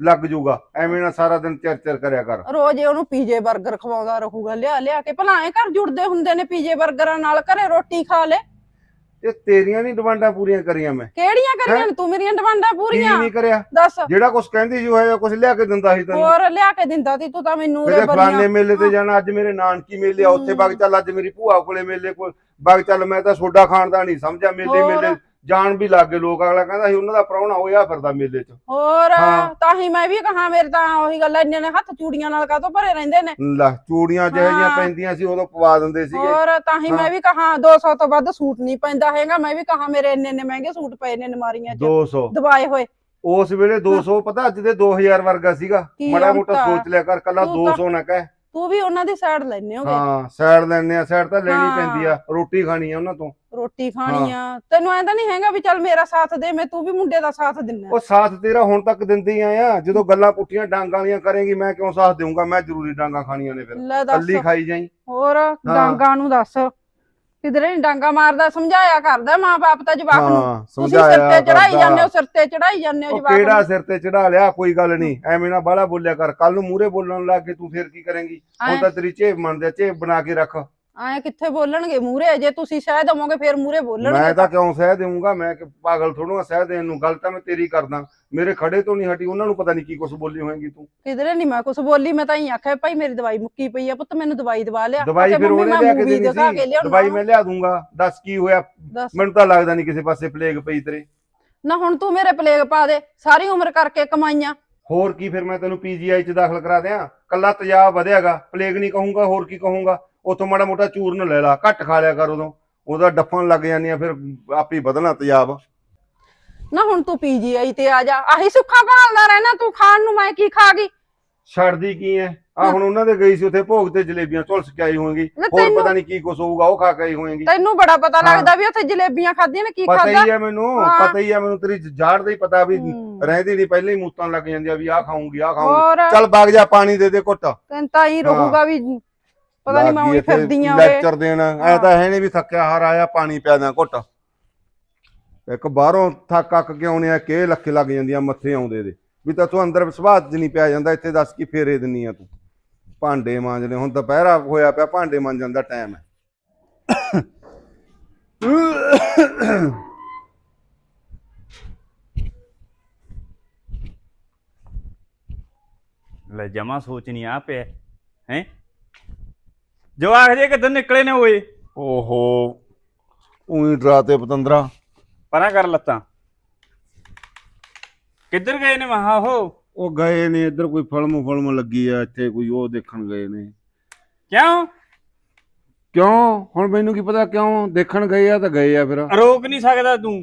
[SPEAKER 5] ਲੱਗ ਜਾਊਗਾ। ਐਵੇਂ ਨਾ ਸਾਰਾ ਦਿਨ ਚਿਰ ਕਰਿਆ ਕਰ।
[SPEAKER 4] ਰੋਜ਼ ਹੀ ਉਹਨੂੰ ਪੀਜੇ 버ਗਰ ਖਵਾਉਂਦਾ ਰਹੂਗਾ ਲਿਆ ਲਿਆ ਕੇ। ਭਲਾ ਐ ਘਰ ਜੁੜਦੇ ਹੁੰਦੇ ਨੇ ਪੀਜੇ 버ਗਰਾਂ ਨਾਲ, ਘਰੇ ਰੋਟੀ ਖਾ ਲੈ।
[SPEAKER 5] ਇਹ ਤੇਰੀਆਂ ਨਹੀਂ ਡਿਮਾਂਡਾਂ ਪੂਰੀਆਂ ਕਰੀਆਂ ਮੈਂ।
[SPEAKER 4] ਕਿਹੜੀਆਂ ਕਰੀਆਂ ਨੇ ਤੂੰ ਮੇਰੀਆਂ ਡਿਮਾਂਡਾਂ
[SPEAKER 5] ਕੀ
[SPEAKER 4] ਪੂਰੀਆਂ?
[SPEAKER 5] ਨਹੀਂ ਕਰਿਆ?
[SPEAKER 4] ਦੱਸ।
[SPEAKER 5] ਜਿਹੜਾ ਕੁਝ ਕਹਿੰਦੀ ਸੀ ਉਹ ਕੁਝ ਲਿਆ ਕੇ ਦਿੰਦਾ ਸੀ ਤੈਨੂੰ।
[SPEAKER 4] ਹੋਰ ਲਿਆ ਕੇ ਦਿੰਦਾ ਸੀ ਤੂੰ ਤਾਂ ਮੈਨੂੰ
[SPEAKER 5] ਕਿਤੇ
[SPEAKER 4] ਉਰੇ
[SPEAKER 5] ਫਲਾਣੇ
[SPEAKER 4] ਬੜੀਆਂ।
[SPEAKER 5] ਮੇਲੇ ਤੇ ਜਾਣਾ, ਅੱਜ ਮੇਰੇ ਨਾਨਕੀ ਮੇਲੇ ਆ ਉੱਥੇ ਵਗ ਚੱਲ, ਅੱਜ ਮੇਰੀ ਭੂਆ ਕੋਲੇ ਮੇਲੇ ਕੋਲ ਵਗ ਚੱਲ। ਮੈਂ ਤਾਂ ਸੋਡਾ ਖਾਣ ਦਾ ਨਹੀਂ ਸਮਝਿਆ, ਮੇਲੇ
[SPEAKER 4] ਹੋਰ।
[SPEAKER 5] ਮੇਲੇ ਜਾਣ ਵੀ ਲੱਗ ਗਏ ਲੋਕ। ਅਗਲਾ ਕਹਿੰਦਾ ਸੀ ਉਹਨਾਂ ਦਾ ਪ੍ਰਾਹੁਣਾ ਹੋਇਆ ਫਿਰਦਾ ਮੇਲੇ 'ਚ।
[SPEAKER 4] ਹੋਰ
[SPEAKER 5] ਹਾਂ।
[SPEAKER 4] ਤਾਂ ਹੀ ਮੈਂ ਵੀ ਕਹਾ, ਮੇਰੇ ਤਾਂ ਉਹੀ ਗੱਲ, ਇੰਨੇ ਨੇ ਹੱਥ ਚੂੜੀਆਂ ਨਾਲ ਕਾਹਤੋਂ ਭਰੇ ਰਹਿੰਦੇ ਨੇ।
[SPEAKER 5] ਲੈ ਚੂੜੀਆਂ ਜਿਹੋ ਜਿਹੀਆਂ
[SPEAKER 4] ਹਾਂ।
[SPEAKER 5] ਪੈਂਦੀਆਂ ਸੀ ਉਦੋਂ ਪਵਾ ਦਿੰਦੇ ਸੀਗੇ।
[SPEAKER 4] ਹੋਰ ਤਾਂ ਹੀ ਮੈਂ ਵੀ ਕਹਾ 200 ਤੋਂ ਵੱਧ ਸੂਟ ਨਹੀਂ ਪੈਂਦਾ ਹੈਗਾ। ਮੈਂ ਵੀ ਕਹਾ ਮੇਰੇ ਇੰਨੇ ਮਹਿੰਗੇ ਸੂਟ ਪਏ ਨੇ ਨਮਾਰੀਆਂ 'ਚ
[SPEAKER 5] 200
[SPEAKER 4] ਦਬਾਏ ਹੋਏ।
[SPEAKER 5] ਉਸ ਵੇਲੇ 200 ਪਤਾ ਅੱਜ ਦੇ 2000 ਵਰਗਾ ਸੀਗਾ।
[SPEAKER 4] ਕੀ
[SPEAKER 5] ਮਾੜਾ ਮੋਟਾ
[SPEAKER 4] ਅੰਤਾ।
[SPEAKER 5] ਸੋਚ ਲਿਆ ਕਰ, ਕੱਲਾ
[SPEAKER 4] ਤੂੰ ਤਾਂ-
[SPEAKER 5] 200 ਨਾ ਕਹਿ।
[SPEAKER 4] ਤੂੰ ਵੀ ਉਹਨਾਂ ਦੀ ਸਾਈਡ ਲੈਣੇ ਹੋਗੇ।
[SPEAKER 5] ਹਾਂ ਸਾਈਡ ਲੈਣੇ ਆ, ਸਾਈਡ ਤਾਂ ਲੈਣੀ
[SPEAKER 4] ਹਾਂ।
[SPEAKER 5] ਪੈਂਦੀ ਆ, ਰੋਟੀ ਖਾਣੀ ਆ ਉਹਨਾਂ ਤੋਂ।
[SPEAKER 4] ਰੋਟੀ ਖਾਣੀ ਆ। ਤੈਨੂੰ ਐਂ ਤਾਂ ਨਹੀਂ ਹੈਗਾ ਵੀ ਚੱਲ ਮੇਰਾ ਸਾਥ ਦੇ, ਮੈਂ ਤੂੰ ਵੀ ਮੁੰਡੇ ਦਾ ਸਾਥ ਦਿੰਨਾ।
[SPEAKER 5] ਉਹ ਸਾਥ ਤੇਰਾ ਹੁਣ ਤੱਕ ਦਿੰਦੀ ਆਇਆ। ਜਦੋਂ ਗੱਲਾਂ ਪੁੱਠੀਆਂ ਡਾਂਗਾਂ ਵਾਲੀਆਂ ਕਰੇਂਗੀ ਮੈਂ ਕਿਉਂ ਸਾਥ ਦੇਊਂਗਾ? ਮੈਂ ਜ਼ਰੂਰੀ ਡਾਂਗਾਂ ਖਾਣੀਆਂ ਨੇ ਫਿਰ।
[SPEAKER 4] ਲੈ ਦੱਸ।
[SPEAKER 5] ਕੱਲੀ ਖਾਈ ਜਾਈ।
[SPEAKER 4] ਹੋਰ ਡਾਂਗਾ ਨੂੰ ਦੱਸ, ਕਿਧਰੇ ਨੀ ਡਾਂਗਾ ਮਾਰਦਾ। ਸਮਝਾਇਆ ਕਰਦਾ ਮਾਂ ਬਾਪ ਤਾਂ ਜਵਾਕ ਨੂੰ।
[SPEAKER 5] ਹਾਂ
[SPEAKER 4] ਤੁਸੀਂ ਸਿਰ
[SPEAKER 5] ਸਮਝਾਇਆ
[SPEAKER 4] ਤੇ ਚੜਾਈ
[SPEAKER 5] ਕਰਦਾ।
[SPEAKER 4] ਜਾਂਦੇ ਹੋ, ਸਿਰ ਤੇ ਚੜਾਈ ਜਾਂਦੇ ਹੋ
[SPEAKER 5] ਉਹ
[SPEAKER 4] ਜਵਾਕ
[SPEAKER 5] ਕਿਹੜਾ
[SPEAKER 4] ਨੂੰ।
[SPEAKER 5] ਸਿਰ ਤੇ ਚੜਾ ਲਿਆ? ਕੋਈ ਗੱਲ ਨਹੀਂ, ਐਵੇਂ ਨਾ ਬਾਹਲਾ ਬੋਲਿਆ ਕਰ। ਕੱਲ ਨੂੰ ਮੂਹਰੇ ਬੋਲਣ ਲੱਗ ਕੇ ਤੂੰ ਫੇਰ ਕੀ ਕਰੇਂਗੀ? ਹੁਣ ਤਾਂ ਤੇਰੀ ਝੇਪ ਮੰਨਦੇ, ਝੇਪ ਬਣਾ ਕੇ ਰੱਖ।
[SPEAKER 4] ਐ ਕਿੱਥੇ ਬੋਲਣਗੇ ਮੂਹਰੇ? ਜੇ ਤੁਸੀਂ ਸਹਿ ਦਵੋਗੇ ਫੇਰ ਮੂਹਰੇ ਬੋਲਣਗੇ।
[SPEAKER 5] ਮੈਂ ਤਾਂ ਕਿਉਂ ਸਹਿ ਦੇਵਾਂਗਾ? ਮੈਂ ਕਿ ਪਾਗਲ ਥੋੜੂਆ ਸਹਿ ਦੇਣ ਨੂੰ? ਗੱਲ ਤਾਂ ਮੈਂ ਤੇਰੀ ਕਰਦਾ। ਮੇਰੇ ਖੜੇ ਤੋਂ ਨਹੀਂ ਹਟੀ, ਉਹਨਾਂ ਨੂੰ ਪਤਾ ਨਹੀਂ ਕੀ ਕੁਝ ਬੋਲੀ ਹੋਏਗੀ ਤੂੰ।
[SPEAKER 4] ਕਿਧਰੇ ਨਹੀਂ ਮੈਂ ਕੁਝ ਬੋਲੀ। ਮੈਂ ਤਾਂ ਹੀ ਆਖਿਆ ਭਾਈ ਮੇਰੀ ਦਵਾਈ ਮੁੱਕੀ ਪਈ ਆ, ਪੁੱਤ ਮੈਨੂੰ ਦਵਾਈ ਦਵਾ ਲਿਆ।
[SPEAKER 5] ਦਵਾਈ ਫਿਰ ਉਹਨੇ ਲਿਆ ਕੇ ਦੇਣੀ
[SPEAKER 4] ਦਿਖਾ ਕੇ
[SPEAKER 5] ਸੀ।
[SPEAKER 4] ਲਿਆਉਣਾ।
[SPEAKER 5] ਦਵਾਈ ਮੈਂ ਲਿਆ ਦੂੰਗਾ। ਦੱਸ ਕੀ ਹੋਇਆ?
[SPEAKER 4] ਦੱਸ।
[SPEAKER 5] ਮੈਨੂੰ ਤਾਂ ਲੱਗਦਾ ਨਹੀਂ ਕਿਸੇ ਪਾਸੇ ਪਲੇਗ ਪਈ ਤੇਰੇ।
[SPEAKER 4] ਨਾ ਹੁਣ ਤੂੰ ਮੇਰੇ ਪਲੇਗ ਪਾ ਦੇ, ਸਾਰੀ ਉਮਰ ਕਰਕੇ ਕਮਾਈਆਂ।
[SPEAKER 5] ਹੋਰ ਕੀ? ਫਿਰ ਮੈਂ ਤੈਨੂੰ ਪੀਜੀਆਈ 'ਚ ਦਾਖਲ ਕਰਾ ਦਿਆਂ। ਕੱਲਾ ਤੇਜ਼ਾਬ ਵਧਿਆਗਾ, ਪਲੇਗ ਨਹੀਂ ਕਹੂੰਗਾ। ਹੋਰ ਕੀ ਕਹੂੰਗਾ? ਉਥੋਂ ਮਾੜਾ ਮੋਟਾ ਚੂਰਨ ਲੈ ਲਾ, ਘੱਟ ਖਾ ਲਿਆ ਕਰ। ਉਦੋਂ ਉਹਦਾ ਡੱਫਣ ਲੱਗ ਜਾਂਦੀਆਂ, ਫਿਰ ਆਪੇ ਵਧਣਾ ਤੇਜ਼ਾਬ।
[SPEAKER 4] ਨਾ ਹੁਣ ਤੂੰ ਪੀਜੀਆਈ ਤੇ ਆ ਜਾ। ਆਹੀ ਸੁੱਖਾ ਭਾਲਦਾ ਰਹਿਣਾ ਤੂੰ। ਖਾਣ ਨੂੰ ਮੈਂ ਕੀ ਖਾ ਗਈ?
[SPEAKER 5] ਛੱਡਦੀ ਕੀ ਐ? ਆ ਹੁਣ ਉਹਨਾਂ ਦੇ ਗਈ ਸੀ ਉੱਥੇ ਭੋਗ ਤੇ ਜਲੇਬੀਆਂ ਝੁਲਸ ਕੇ ਆਈ ਹੋਏਗੀ।
[SPEAKER 4] ਨਾ
[SPEAKER 5] ਹੋਰ
[SPEAKER 4] ਤੈਨੂੰ-
[SPEAKER 5] ਪਤਾ ਨਹੀਂ ਕੀ ਕੁਛ ਹੋਊਗਾ, ਉਹ ਖਾ ਕੇ ਆਈ ਹੋਏਗੀ।
[SPEAKER 4] ਤੈਨੂੰ ਬੜਾ ਪਤਾ
[SPEAKER 5] ਹਾਂ।
[SPEAKER 4] ਲੱਗਦਾ ਵੀ ਉੱਥੇ ਜਲੇਬੀਆਂ ਖਾਧੀਆਂ ਨੇ। ਕੀ
[SPEAKER 5] ਪਤਾ
[SPEAKER 4] ਖਾਧਾ?
[SPEAKER 5] ਹੀ ਐ ਮੈਨੂੰ,
[SPEAKER 4] ਹਾਂ।
[SPEAKER 5] ਪਤਾ ਹੀ ਐ ਮੈਨੂੰ। ਤੇਰੀ ਜਾੜ ਦਾ ਹੀ ਪਤਾ ਵੀ ਰਹਿੰਦੀ ਨਹੀਂ, ਪਹਿਲਾਂ ਹੀ ਮੂਤਾਂ ਲੱਗ ਜਾਂਦੀਆਂ ਵੀ ਆਹ ਖਾਊਂਗੀ, ਆਹ ਖਾਊਂਗੀ।
[SPEAKER 4] ਹੋਰ
[SPEAKER 5] ਚੱਲ ਵਗ ਜਾ, ਪਾਣੀ ਦੇ ਦੇ ਘੁੱਟ।
[SPEAKER 4] ਤੈਨੂੰ ਤਾਂ ਹੀ ਰਹੂਗਾ ਵੀ ਪਤਾ ਨਹੀਂ ਮੈਂ ਉਹੀ ਫਿਰਦੀ ਆਂ ਓਏ।
[SPEAKER 5] ਲੈਕਚਰ ਦੇਣਾ ਐ ਤਾਂ ਹੈ ਨਹੀਂ ਵੀ ਥੱਕਿਆ ਹਾਰ ਆਇਆ, ਪਾਣੀ ਪਿਆ ਦਾਂ ਘੁੱਟ। ਇੱਕ ਬਾਹਰੋਂ ਥੱਕ ਅੱਕ ਕੇ ਆਉਣੇ ਆ ਕਿ ਲੱਖੇ ਲੱਗ ਜਾਂਦੀਆਂ ਮੱਥੇ ਆਉਂਦੇ ਦੇ ਵੀ ਤਾਂ ਤੂੰ ਅੰਦਰ ਸੁਭਾਅ 'ਚ ਨਹੀਂ ਪਿਆ ਜਾਂਦਾ। ਇੱਥੇ ਦੱਸ ਕੀ ਫੇਰੇ ਦਿੰਨੀ ਆ ਤੂੰ? ਭਾਂਡੇ ਮਾਂਜਣੇ, ਹੁਣ ਦੁਪਹਿਰਾ ਹੋਇਆ ਪਿਆ, ਭਾਂਡੇ ਮਾਂਜਣ ਦਾ ਟਾਈਮ ਹੈ।
[SPEAKER 6] ਲੈ ਜਮਾ ਸੋਚ ਨਹੀਂ ਆ ਪਿਆ ਹੈ। ਜਵਾਕ ਜੇ ਕਿੱਧਰ ਨਿਕਲੇ ਨੇ ਓਏ?
[SPEAKER 5] ਓਹੋ ਉਹੀ ਡਰਾਤੇ ਪਤੰਦਰਾ।
[SPEAKER 6] ਪਰਾਂ ਕਰ ਲੱਤਾਂ। ਕਿੱਧਰ ਗਏ ਨੇ ਮਹਾ
[SPEAKER 5] ਉਹ ਗਏ ਨੇ ਇੱਧਰ, ਕੋਈ ਫਿਲਮ ਲੱਗੀ ਆ ਇੱਥੇ, ਕੋਈ ਉਹ ਦੇਖਣ ਗਏ ਨੇ।
[SPEAKER 6] ਕਿਉਂ?
[SPEAKER 5] ਕਿਉਂ? ਹੁਣ ਮੈਨੂੰ ਕੀ ਪਤਾ ਕਿਉਂ ਦੇਖਣ ਗਏ ਆ? ਤਾਂ ਗਏ ਆ। ਫਿਰ
[SPEAKER 6] ਰੋਕ ਨਹੀਂ ਸਕਦਾ ਤੂੰ?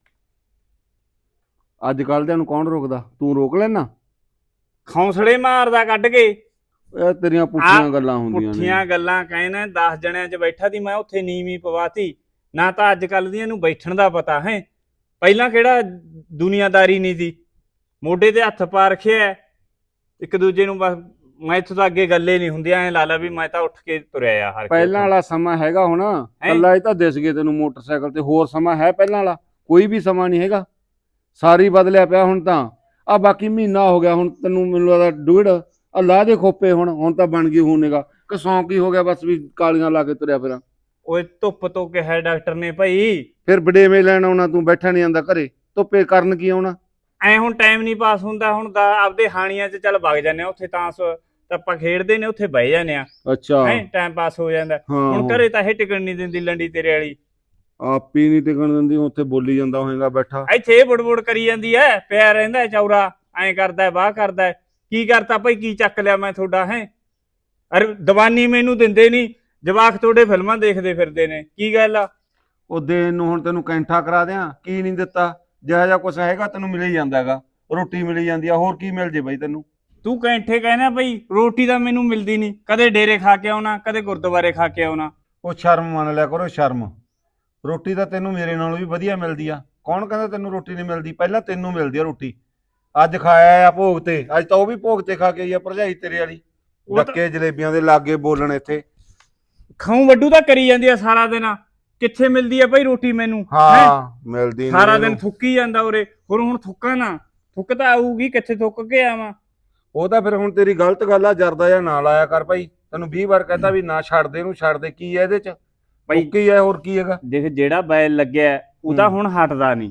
[SPEAKER 5] ਅੱਜ ਕੱਲ੍ਹ ਦਿਆਂ ਨੂੰ ਕੌਣ ਰੋਕਦਾ? ਤੂੰ ਰੋਕ ਲੈਣਾ?
[SPEAKER 6] ਖੌਂਸਲੇ ਮਾਰਦਾ ਕੱਢ ਕੇ।
[SPEAKER 5] ਇਹ ਤੇਰੀਆਂ ਪੁੱਠੀਆਂ ਗੱਲਾਂ ਹੁੰਦੀਆਂ ਨੇ।
[SPEAKER 6] ਪੁੱਠੀਆਂ ਗੱਲਾਂ ਕਹਿੰਦਾ 10 ਜਣਿਆਂ 'ਚ ਬੈਠਾ ਸੀ ਮੈਂ, ਉੱਥੇ ਨੀਵੀਂ ਪਵਾਤੀ ਨਾ। ਤਾਂ ਅੱਜ ਕੱਲ ਦੀਆਂ ਨੂੰ ਬੈਠਣ ਦਾ ਪਤਾ ਹੈ। ਪਹਿਲਾਂ ਕਿਹੜਾ ਦੁਨੀਆਦਾਰੀ ਨਹੀਂ ਸੀ, ਮੋਢੇ ਤੇ ਹੱਥ ਪਾ ਰੱਖਿਆ ਇੱਕ ਦੂਜੇ ਨੂੰ। ਬਸ ਮੈਂ ਇੱਥੋਂ ਤਾਂ ਅੱਗੇ ਗੱਲੇ ਨਹੀਂ ਹੁੰਦੀਆਂ। ਐ ਲਾ ਲਾ ਵੀ ਮੈਂ ਤਾਂ ਉੱਠ ਕੇ ਤੁਰਿਆ ਆ ਹਰ
[SPEAKER 5] ਪਹਿਲਾਂ ਵਾਲਾ ਸਮਾਂ ਹੈਗਾ ਹੁਣ? ਕੱਲਾ ਇਹ ਤਾਂ ਦਿਸ ਗਏ ਤੈਨੂੰ ਮੋਟਰਸਾਈਕਲ ਤੇ। ਹੋਰ ਸਮਾਂ ਹੈ ਪਹਿਲਾਂ ਵਾਲਾ? ਕੋਈ ਵੀ ਸਮਾਂ ਨਹੀਂ ਹੈਗਾ। ਸਾਰੀ ਬਦਲਿਆ ਪਿਆ ਹੁਣ ਤਾਂ। ਆ ਬਾਕੀ ਮਹੀਨਾ ਹੋ ਗਿਆ ਹੁਣ ਤੈਨੂੰ, ਮੈਨੂੰ ਲੱਗਦਾ ਡੂੜ ਅੱਲਾ ਦੇ ਖੋਪੇ। ਹੁਣ ਤਾਂ ਬਣ ਗਈ ਹੋਣੇਗਾ ਕਿ ਸੌਂਕ ਹੀ ਹੋ ਗਿਆ ਬਸ ਵੀ ਕਾਲੀਆਂ ਲਾ ਕੇ ਤੁਰਿਆ ਫਿਰਾਂ।
[SPEAKER 6] ਓਏ ਧੁੱਪ ਤੋਂ ਕਿਹਾ ਡਾਕਟਰ ਨੇ ਭਾਈ।
[SPEAKER 5] ਫਿਰ ਵਡੇਵੇਂ ਲੈਣ ਆਉਣਾ, ਤੂੰ ਬੈਠਾ ਨਹੀਂ ਆਂਦਾ ਘਰੇ। ਧੁੱਪੇ ਕਰਨ ਕੀ ਆਉਣਾ?
[SPEAKER 6] ਐ ਹੁਣ ਟਾਈਮ ਨਹੀਂ ਪਾਸ ਹੁੰਦਾ। ਹੁਣ ਤਾਂ ਆਪਦੇ ਹਾਣੀਆਂ 'ਚ ਚੱਲ ਵਗ ਜਾਂਦੇ ਆ, ਉੱਥੇ ਤਾਂ ਆਪਾਂ ਖੇਡਦੇ ਨੇ, ਉੱਥੇ ਬਹਿ ਜਾਂਦੇ ਆ।
[SPEAKER 5] ਅੱਛਾ
[SPEAKER 6] ਹੈ ਟਾਈਮ ਪਾਸ ਹੋ ਜਾਂਦਾ। ਹੁਣ ਘਰੇ ਤਾਂ ਇਹ ਟਿਕਣ ਨਹੀਂ ਦਿੰਦੀ ਲੰਡੀ ਤੇਰੇ ਵਾਲੀ।
[SPEAKER 5] ਆਪੀ ਨਹੀਂ ਟਿਕਣ ਦਿੰਦੀ, ਉੱਥੇ ਬੋਲੀ ਜਾਂਦਾ ਹੋਏਗਾ ਬੈਠਾ।
[SPEAKER 6] ਇੱਥੇ ਇਹ ਬੁੜਬੁੜ ਕਰੀ ਜਾਂਦੀ ਐ, ਪਿਆ ਰਹਿੰਦਾ ਚੌਰਾ। ਐਂ ਕਰਦਾ ਵਾਹ ਕਰਦਾ। ਕੀ ਕਰਤਾ ਭਾਈ? ਕੀ ਚੱਕ ਲਿਆ ਮੈਂ ਤੁਹਾਡਾ? ਹੈ ਅਰੇ ਦੀਵਾਨੀ ਮੈਨੂੰ ਦਿੰਦੇ ਨਹੀਂ। ਜਵਾਕ ਤੁਹਾਡੇ ਫਿਲਮਾਂ ਦੇਖਦੇ ਫਿਰਦੇ ਨੇ। ਕੀ ਗੱਲ ਆ?
[SPEAKER 5] ਉਹ ਦੇਣ ਨੂੰ ਹੁਣ ਤੈਨੂੰ ਕੈਂਠਾ ਕਰਾ ਦਿਆਂ? ਕੀ ਨਹੀਂ ਦਿੱਤਾ? ਜਿਹੜਾ ਜਿਹਾ ਕੁਛ ਹੈਗਾ ਤੈਨੂੰ ਮਿਲ ਹੀ ਜਾਂਦਾ ਹੈਗਾ। ਰੋਟੀ ਮਿਲ ਜਾਂਦੀ ਆ, ਹੋਰ ਕੀ ਮਿਲ ਜੇ ਬਈ ਤੈਨੂੰ?
[SPEAKER 6] ਤੂੰ ਕੈਂਠੇ ਕਹਿਣਾ ਬਈ? ਰੋਟੀ ਤਾਂ ਮੈਨੂੰ ਮਿਲਦੀ ਨਹੀਂ। ਕਦੇ ਡੇਰੇ ਖਾ ਕੇ ਆਉਣਾ, ਕਦੇ ਗੁਰਦੁਆਰੇ ਖਾ ਕੇ ਆਉਣਾ।
[SPEAKER 5] ਉਹ ਸ਼ਰਮ ਮੰਨ ਲਿਆ ਕਰੋ, ਸ਼ਰਮ। ਰੋਟੀ ਤਾਂ ਤੈਨੂੰ ਮੇਰੇ ਨਾਲੋਂ ਵੀ ਵਧੀਆ ਮਿਲਦੀ ਆ। ਕੌਣ ਕਹਿੰਦਾ ਤੈਨੂੰ ਰੋਟੀ ਨਹੀਂ ਮਿਲਦੀ? ਪਹਿਲਾਂ ਤੈਨੂੰ ਮਿਲਦੀ ਆ ਰੋਟੀ। ਅੱਜ ਖਾਇਆ ਆ ਭੋਗ ਤੇ, ਅੱਜ ਤਾਂ ਉਹ ਵੀ ਭੋਗ ਤੇ ਖਾ ਕੇ ਆਈ ਆ ਭਰਜਾਈ ਤੇਰੇ ਵਾਲੀ। ਡੱਕੇ ਜਲੇਬੀਆਂ ਦੇ ਲਾਗੇ ਬੋਲਣ ਇੱਥੇ।
[SPEAKER 6] ਖਾਉ ਵੱਡੂ ਤਾਂ ਕਰੀ ਜਾਂਦੀ ਆ ਸਾਰਾ ਦਿਨ। ਕਿੱਥੇ ਮਿਲਦੀ ਆ ਭਾਈ ਰੋਟੀ ਮੈਨੂੰ?
[SPEAKER 5] ਹਾਂ ਮਿਲਦੀ
[SPEAKER 6] ਸਾਰਾ ਦਿਨ ਥੁੱਕੀ ਜਾਂਦਾ ਉਰੇ। ਹੁਣ ਥੁੱਕਾ ਨਾ, ਥੁੱਕ ਤਾਂ ਆਊਗੀ, ਕਿੱਥੇ ਥੁੱਕ ਕੇ ਆਵਾਂ?
[SPEAKER 5] ਉਹ ਤਾਂ ਫਿਰ ਹੁਣ ਤੇਰੀ ਗਲਤ ਗੱਲ ਆ, ਜਰਦਾ ਜਾਂ ਨਾ ਲਾਇਆ ਕਰ ਭਾਈ। ਤੈਨੂੰ 20 ਵਾਰ ਕਹਤਾ ਵੀ ਨਾ ਛੱਡ ਦੇ, ਇਹਨੂੰ ਛੱਡ ਦੇ। ਕੀ ਹੈ ਇਹਦੇ ਚ?
[SPEAKER 6] ਭਾਈ
[SPEAKER 5] ਕੀ ਹੈ, ਹੋਰ ਕੀ ਹੈਗਾ?
[SPEAKER 6] ਦੇਖ, ਜਿਹੜਾ ਬੈਲ ਲੱਗਿਆ ਹੈ, ਉਹ ਤਾਂ ਹੁਣ ਹਟਦਾ ਨਹੀਂ।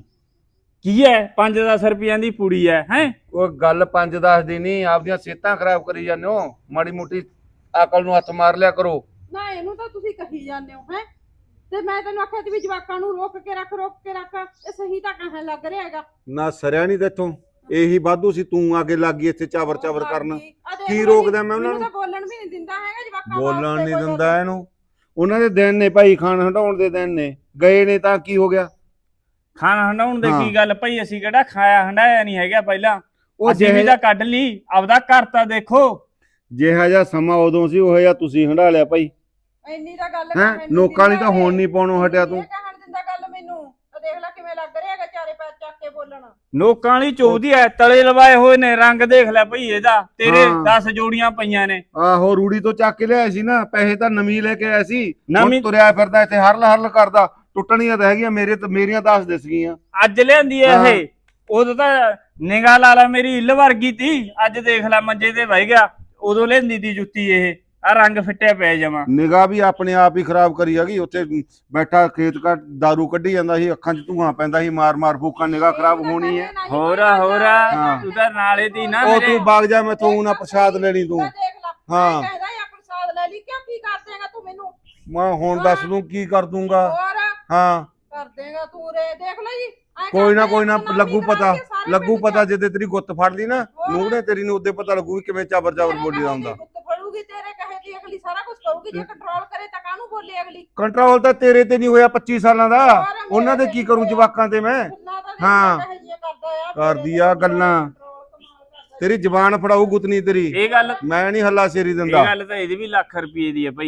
[SPEAKER 6] ਕੀ ਹੈ 5-10 ਰੁਪਈਆਂ ਦੀ ਪੂੜੀ ਹੈ
[SPEAKER 5] ਉਹ ਗੱਲ 5-10 ਦੀ ਨਹੀਂ, ਆਪਦੀਆਂ ਸਿਹਤਾਂ ਖਰਾਬ ਕਰੀ ਜਾਂਦੇ ਹੋ। ਮਾੜੀ ਮੋਟੀ ਅਕਲ ਨੂੰ ਹੱਥ ਮਾਰ ਲਿਆ ਕਰੋ।
[SPEAKER 4] ਨਾ ਇਹਨੂੰ ਤਾਂ ਤੁਸੀਂ ਕਹੀ ਜਾਂਦੇ ਹੋ ਹੈ, ਤੇ ਮੈਂ ਤੈਨੂੰ ਆਖਿਆ ਸੀ ਵੀ ਜਵਾਕਾਂ ਨੂੰ ਰੋਕ ਕੇ ਰੱਖ ਇਹ ਸਹੀ ਤਾਂ ਕਹਿਣ ਲੱਗ ਰਿਹਾ ਹੈਗਾ।
[SPEAKER 5] ਨਾ ਸਰਿਆ ਨਹੀਂ ਤੇਥੋਂ, ਇਹੀ ਵਾਧੂ ਸੀ। ਤੂੰ ਆਗੇ ਲੱਗ ਗਈ ਇੱਥੇ ਚਾਵਰ ਚਾਵਰ ਕਰਨ। ਕੀ ਰੋਕਦਾ ਮੈਂ ਉਹਨਾਂ ਨੂੰ?
[SPEAKER 4] ਮੈਨੂੰ ਤਾਂ ਬੋਲਣ ਵੀ ਨਹੀਂ ਦਿੰਦਾ ਹੈਗਾ ਜਵਾਕਾਂ
[SPEAKER 5] ਬੋਲਣ
[SPEAKER 4] ਵਾਸਤੇ
[SPEAKER 5] ਨਹੀਂ
[SPEAKER 4] ਕੋਈ
[SPEAKER 5] ਦਿੰਦਾ ਇਹਨੂੰ। ਉਹਨਾਂ ਦੇ ਦਿਨ ਨੇ ਭਾਈ, ਖਾਣ ਹਟਾਉਣ ਦੇ ਦਿਨ ਨੇ। ਗਏ ਨੇ ਤਾਂ ਕੀ ਹੋ ਗਿਆ?
[SPEAKER 6] ਖਾਣਾ ਹੰਡਾਉਣ ਦੇ
[SPEAKER 5] ਹਾਂ।
[SPEAKER 6] ਕੀ ਗੱਲ ਭਾਈ, ਅਸੀਂ ਕਿਹੜਾ ਖਾਇਆ ਹੰਡਾਇਆ ਨਹੀਂ ਹੈਗਾ ਪਹਿਲਾਂ।
[SPEAKER 5] ਉਹ
[SPEAKER 6] ਅਸੀਂ ਵੀ ਤਾਂ ਕੱਢ ਲਈ, ਆਪਦਾ ਘਰ ਤਾਂ ਦੇਖੋ।
[SPEAKER 5] ਜਿਹਾ ਜਿਹਾ ਸਮਾਂ ਉਦੋਂ ਸੀ, ਉਹ ਜਿਹਾ ਤੁਸੀਂ ਹੰਡਾ ਲਿਆ ਭਾਈ।
[SPEAKER 4] ਇੰਨੀ ਤਾਂ ਗੱਲ
[SPEAKER 5] ਹੈਂ?
[SPEAKER 4] ਕਹਿਣ ਨੀ
[SPEAKER 5] ਲੋਕਾਂ ਲਈ
[SPEAKER 4] ਦਿੰਦਾ
[SPEAKER 5] ਤਾਂ ਹੁਣ
[SPEAKER 4] ਇਹ।
[SPEAKER 5] ਨਹੀਂ ਪਾਉਣੋਂ ਹਟਿਆ ਤੂੰ।
[SPEAKER 4] ਇਹ ਕਹਿਣ ਦਿੰਦਾ ਗੱਲ ਮੈਨੂੰ। ਉਹ ਦੇਖ ਲੈ ਕਿਵੇਂ ਲੱਗ ਰਿਹਾ ਹੈਗਾ ਚਾਰੇ ਪੈਰ ਚੱਕ ਕੇ ਬੋਲਣ।
[SPEAKER 6] ਲੋਕਾਂ ਵਾਲੀ ਚੋਦੀ ਐ, ਤਲੇ ਲਵਾਏ ਹੋਏ ਨੇ, ਰੰਗ ਦੇਖ ਲੈ ਭਈ ਇਹਦਾ। ਤੇਰੇ
[SPEAKER 5] ਹਾਂ।
[SPEAKER 6] 10 ਜੋੜੀਆਂ ਪਈਆਂ ਨੇ।
[SPEAKER 5] ਆਹੋ, ਰੂੜੀ ਤੋਂ ਚੱਕ ਕੇ ਲਿਆਇਆ ਸੀ ਨਾ, ਪੈਸੇ ਤਾਂ ਨਵੀਂ ਲੈ ਕੇ ਆਇਆ ਸੀ।
[SPEAKER 6] ਨਵੀਂ-
[SPEAKER 5] ਹੁਣ ਤੁਰਿਆ ਫਿਰਦਾ ਇੱਥੇ ਹਰਲ ਹਰਲ ਕਰਦਾ। ਟੁੱਟਣੀਆਂ ਤਾਂ ਹੈਗੀਆਂ, ਮੇਰੀਆਂ 10 ਦਿਸ ਗਈਆਂ।
[SPEAKER 6] ਅੱਜ ਲਿਆਂਦੀ ਐ
[SPEAKER 5] ਹਾਂ।
[SPEAKER 6] ਇਹ। ਉਦੋਂ ਤਾਂ ਨਿਗਾਹ ਲਾ ਲਾ ਮੇਰੀ ਇੱਲ ਵਰਗੀ ਤੀ। ਅੱਜ ਦੇਖ ਲੈ ਮੰਜੇ ਤੇ ਬਹਿ ਗਿਆ। ਉਦੋਂ ਲਿਆਂਦੀ ਦੀ ਜੁੱਤੀ ਇਹ, ਆ ਰੰਗ ਫਿੱਟਿਆ ਪਿਆ ਜਮਾ।
[SPEAKER 5] ਨਿਗਾਹ ਵੀ ਆਪਣੇ ਆਪ ਹੀ ਖਰਾਬ ਕਰੀ ਹੈਗੀ। ਉੱਥੇ ਬੈਠਾ ਖੇਤ ਘਾਟ ਦਾਰੂ ਕੱਢੀ ਜਾਂਦਾ ਸੀ, ਅੱਖਾਂ 'ਚ ਧੂਆਂ ਪੈਂਦਾ ਸੀ, ਮਾਰ ਮਾਰ ਫੂਕਾਂ। ਨਿਗਾਹ ਖਰਾਬ ਹੋਣੀ ਹੈ।
[SPEAKER 6] ਹੋਰ
[SPEAKER 5] ਹਾਂ।
[SPEAKER 6] ਤੂੰ ਤਾਂ ਨਾਲੇ ਦੀ ਨਾ
[SPEAKER 5] ਉਹ
[SPEAKER 6] ਮੇਰੇ।
[SPEAKER 5] ਤੂੰ ਵਗ ਜਾ, ਮੈਥੋਂ ਨਾ ਪ੍ਰਸ਼ਾਦ ਲੈਣੀ ਤੂੰ।
[SPEAKER 4] ਦੇਖ ਲੈ
[SPEAKER 5] ਹਾਂ।
[SPEAKER 4] ਕਹਿੰਦਾ ਯਾ ਪ੍ਰਸਾਦ ਲੈ ਲਈ, ਕਿਉਂ ਕੀ ਕਰ ਦੇਗਾ ਤੂੰ ਮੈਨੂੰ?
[SPEAKER 5] ਮੈਂ ਹੁਣ ਦੱਸ ਦੂੰ ਕੀ ਕਰ ਦੂੰਗਾ।
[SPEAKER 4] ਹੋਰ
[SPEAKER 5] ਹਾਂ,
[SPEAKER 4] ਕਰ ਦੇਗਾ ਤੂੰ ਰੇ, ਦੇਖ ਲੈ ਜੀ। ਐਂ
[SPEAKER 5] ਕੋਈ ਨਾ
[SPEAKER 4] ਕਰਦੇ
[SPEAKER 5] ਕੋਈ ਨਾ,
[SPEAKER 4] ਬਦਨਾਮੀ
[SPEAKER 5] ਲੱਗੂ
[SPEAKER 4] ਕਰਾ
[SPEAKER 5] ਪਤਾ।
[SPEAKER 4] ਕੇ ਸਾਰੇ
[SPEAKER 5] ਲੱਗੂ
[SPEAKER 4] ਪਿੰਡ
[SPEAKER 5] ਪਤਾ
[SPEAKER 4] ਚ।
[SPEAKER 5] ਜਿੱਦੇ ਤੇਰੀ ਗੁੱਤ ਫੜ ਲਈ ਨਾ
[SPEAKER 4] ਹੋਰ।
[SPEAKER 5] ਨੂੰਹ ਨੇ ਤੇਰੀ ਨੂੰ, ਉਹਦੇ ਪਤਾ ਲੱਗੂ ਵੀ ਕਿਵੇਂ ਚਾਬਰ ਚਾਬਰ
[SPEAKER 4] ਤੇਰੇ
[SPEAKER 5] ਬੋਲੀ ਦਾ
[SPEAKER 4] ਕਹੇ
[SPEAKER 5] ਹੁੰਦਾ।
[SPEAKER 4] ਦੀ ਗੁੱਤ ਫੜੂਗੀ, ਤੇਰੇ ਕਹੇ ਦੀ ਅਗਲੀ ਸਾਰਾ ਕੁਝ ਕਰੂਗੀ। ਜੇ ਕੰਟਰੋਲ ਕਰੇ ਤਾਂ ਕਾਹਨੂੰ ਬੋਲੇ ਅਗਲੀ?
[SPEAKER 5] ਕੰਟਰੋਲ ਤਾਂ ਤੇਰੇ ਤੇ ਨਹੀਂ ਹੋਇਆ 25 ਸਾਲਾਂ ਦਾ।
[SPEAKER 4] ਹੋਰ
[SPEAKER 5] ਉਹਨਾਂ ਦੇ
[SPEAKER 4] ਮੇਰੇ
[SPEAKER 5] ਕੀ
[SPEAKER 4] ਤੇ
[SPEAKER 5] ਕਰੂੰ
[SPEAKER 4] ਹੋਇਆ।
[SPEAKER 5] ਜਵਾਕਾਂ ਤੇ ਮੈਂ?
[SPEAKER 4] ਗੱਲਾਂ ਤਾਂ ਦੇਖ
[SPEAKER 5] ਹਾਂ।
[SPEAKER 4] ਕਹੇ ਜੀ ਕਰਦਾ ਆ,
[SPEAKER 5] ਕਰਦੀ ਆ ਗੱਲਾਂ। ਤੇਰੀ ਜ਼ਬਾਨ ਫੜਾਊ ਗੁੱਤਨੀ ਤੇਰੀ।
[SPEAKER 6] ਇਹ ਗੱਲ
[SPEAKER 5] ਮੈਂ ਨਹੀਂ ਹੱਲਾ ਸ਼ੇਰੀ
[SPEAKER 6] ਇਹ
[SPEAKER 5] ਦਿੰਦਾ।
[SPEAKER 6] ਗੱਲ ਤਾਂ ਇਹਦੀ ਵੀ ਲੱਖ ਰੁਪਏ ਦੀ ਹੈ ਭਾਈ।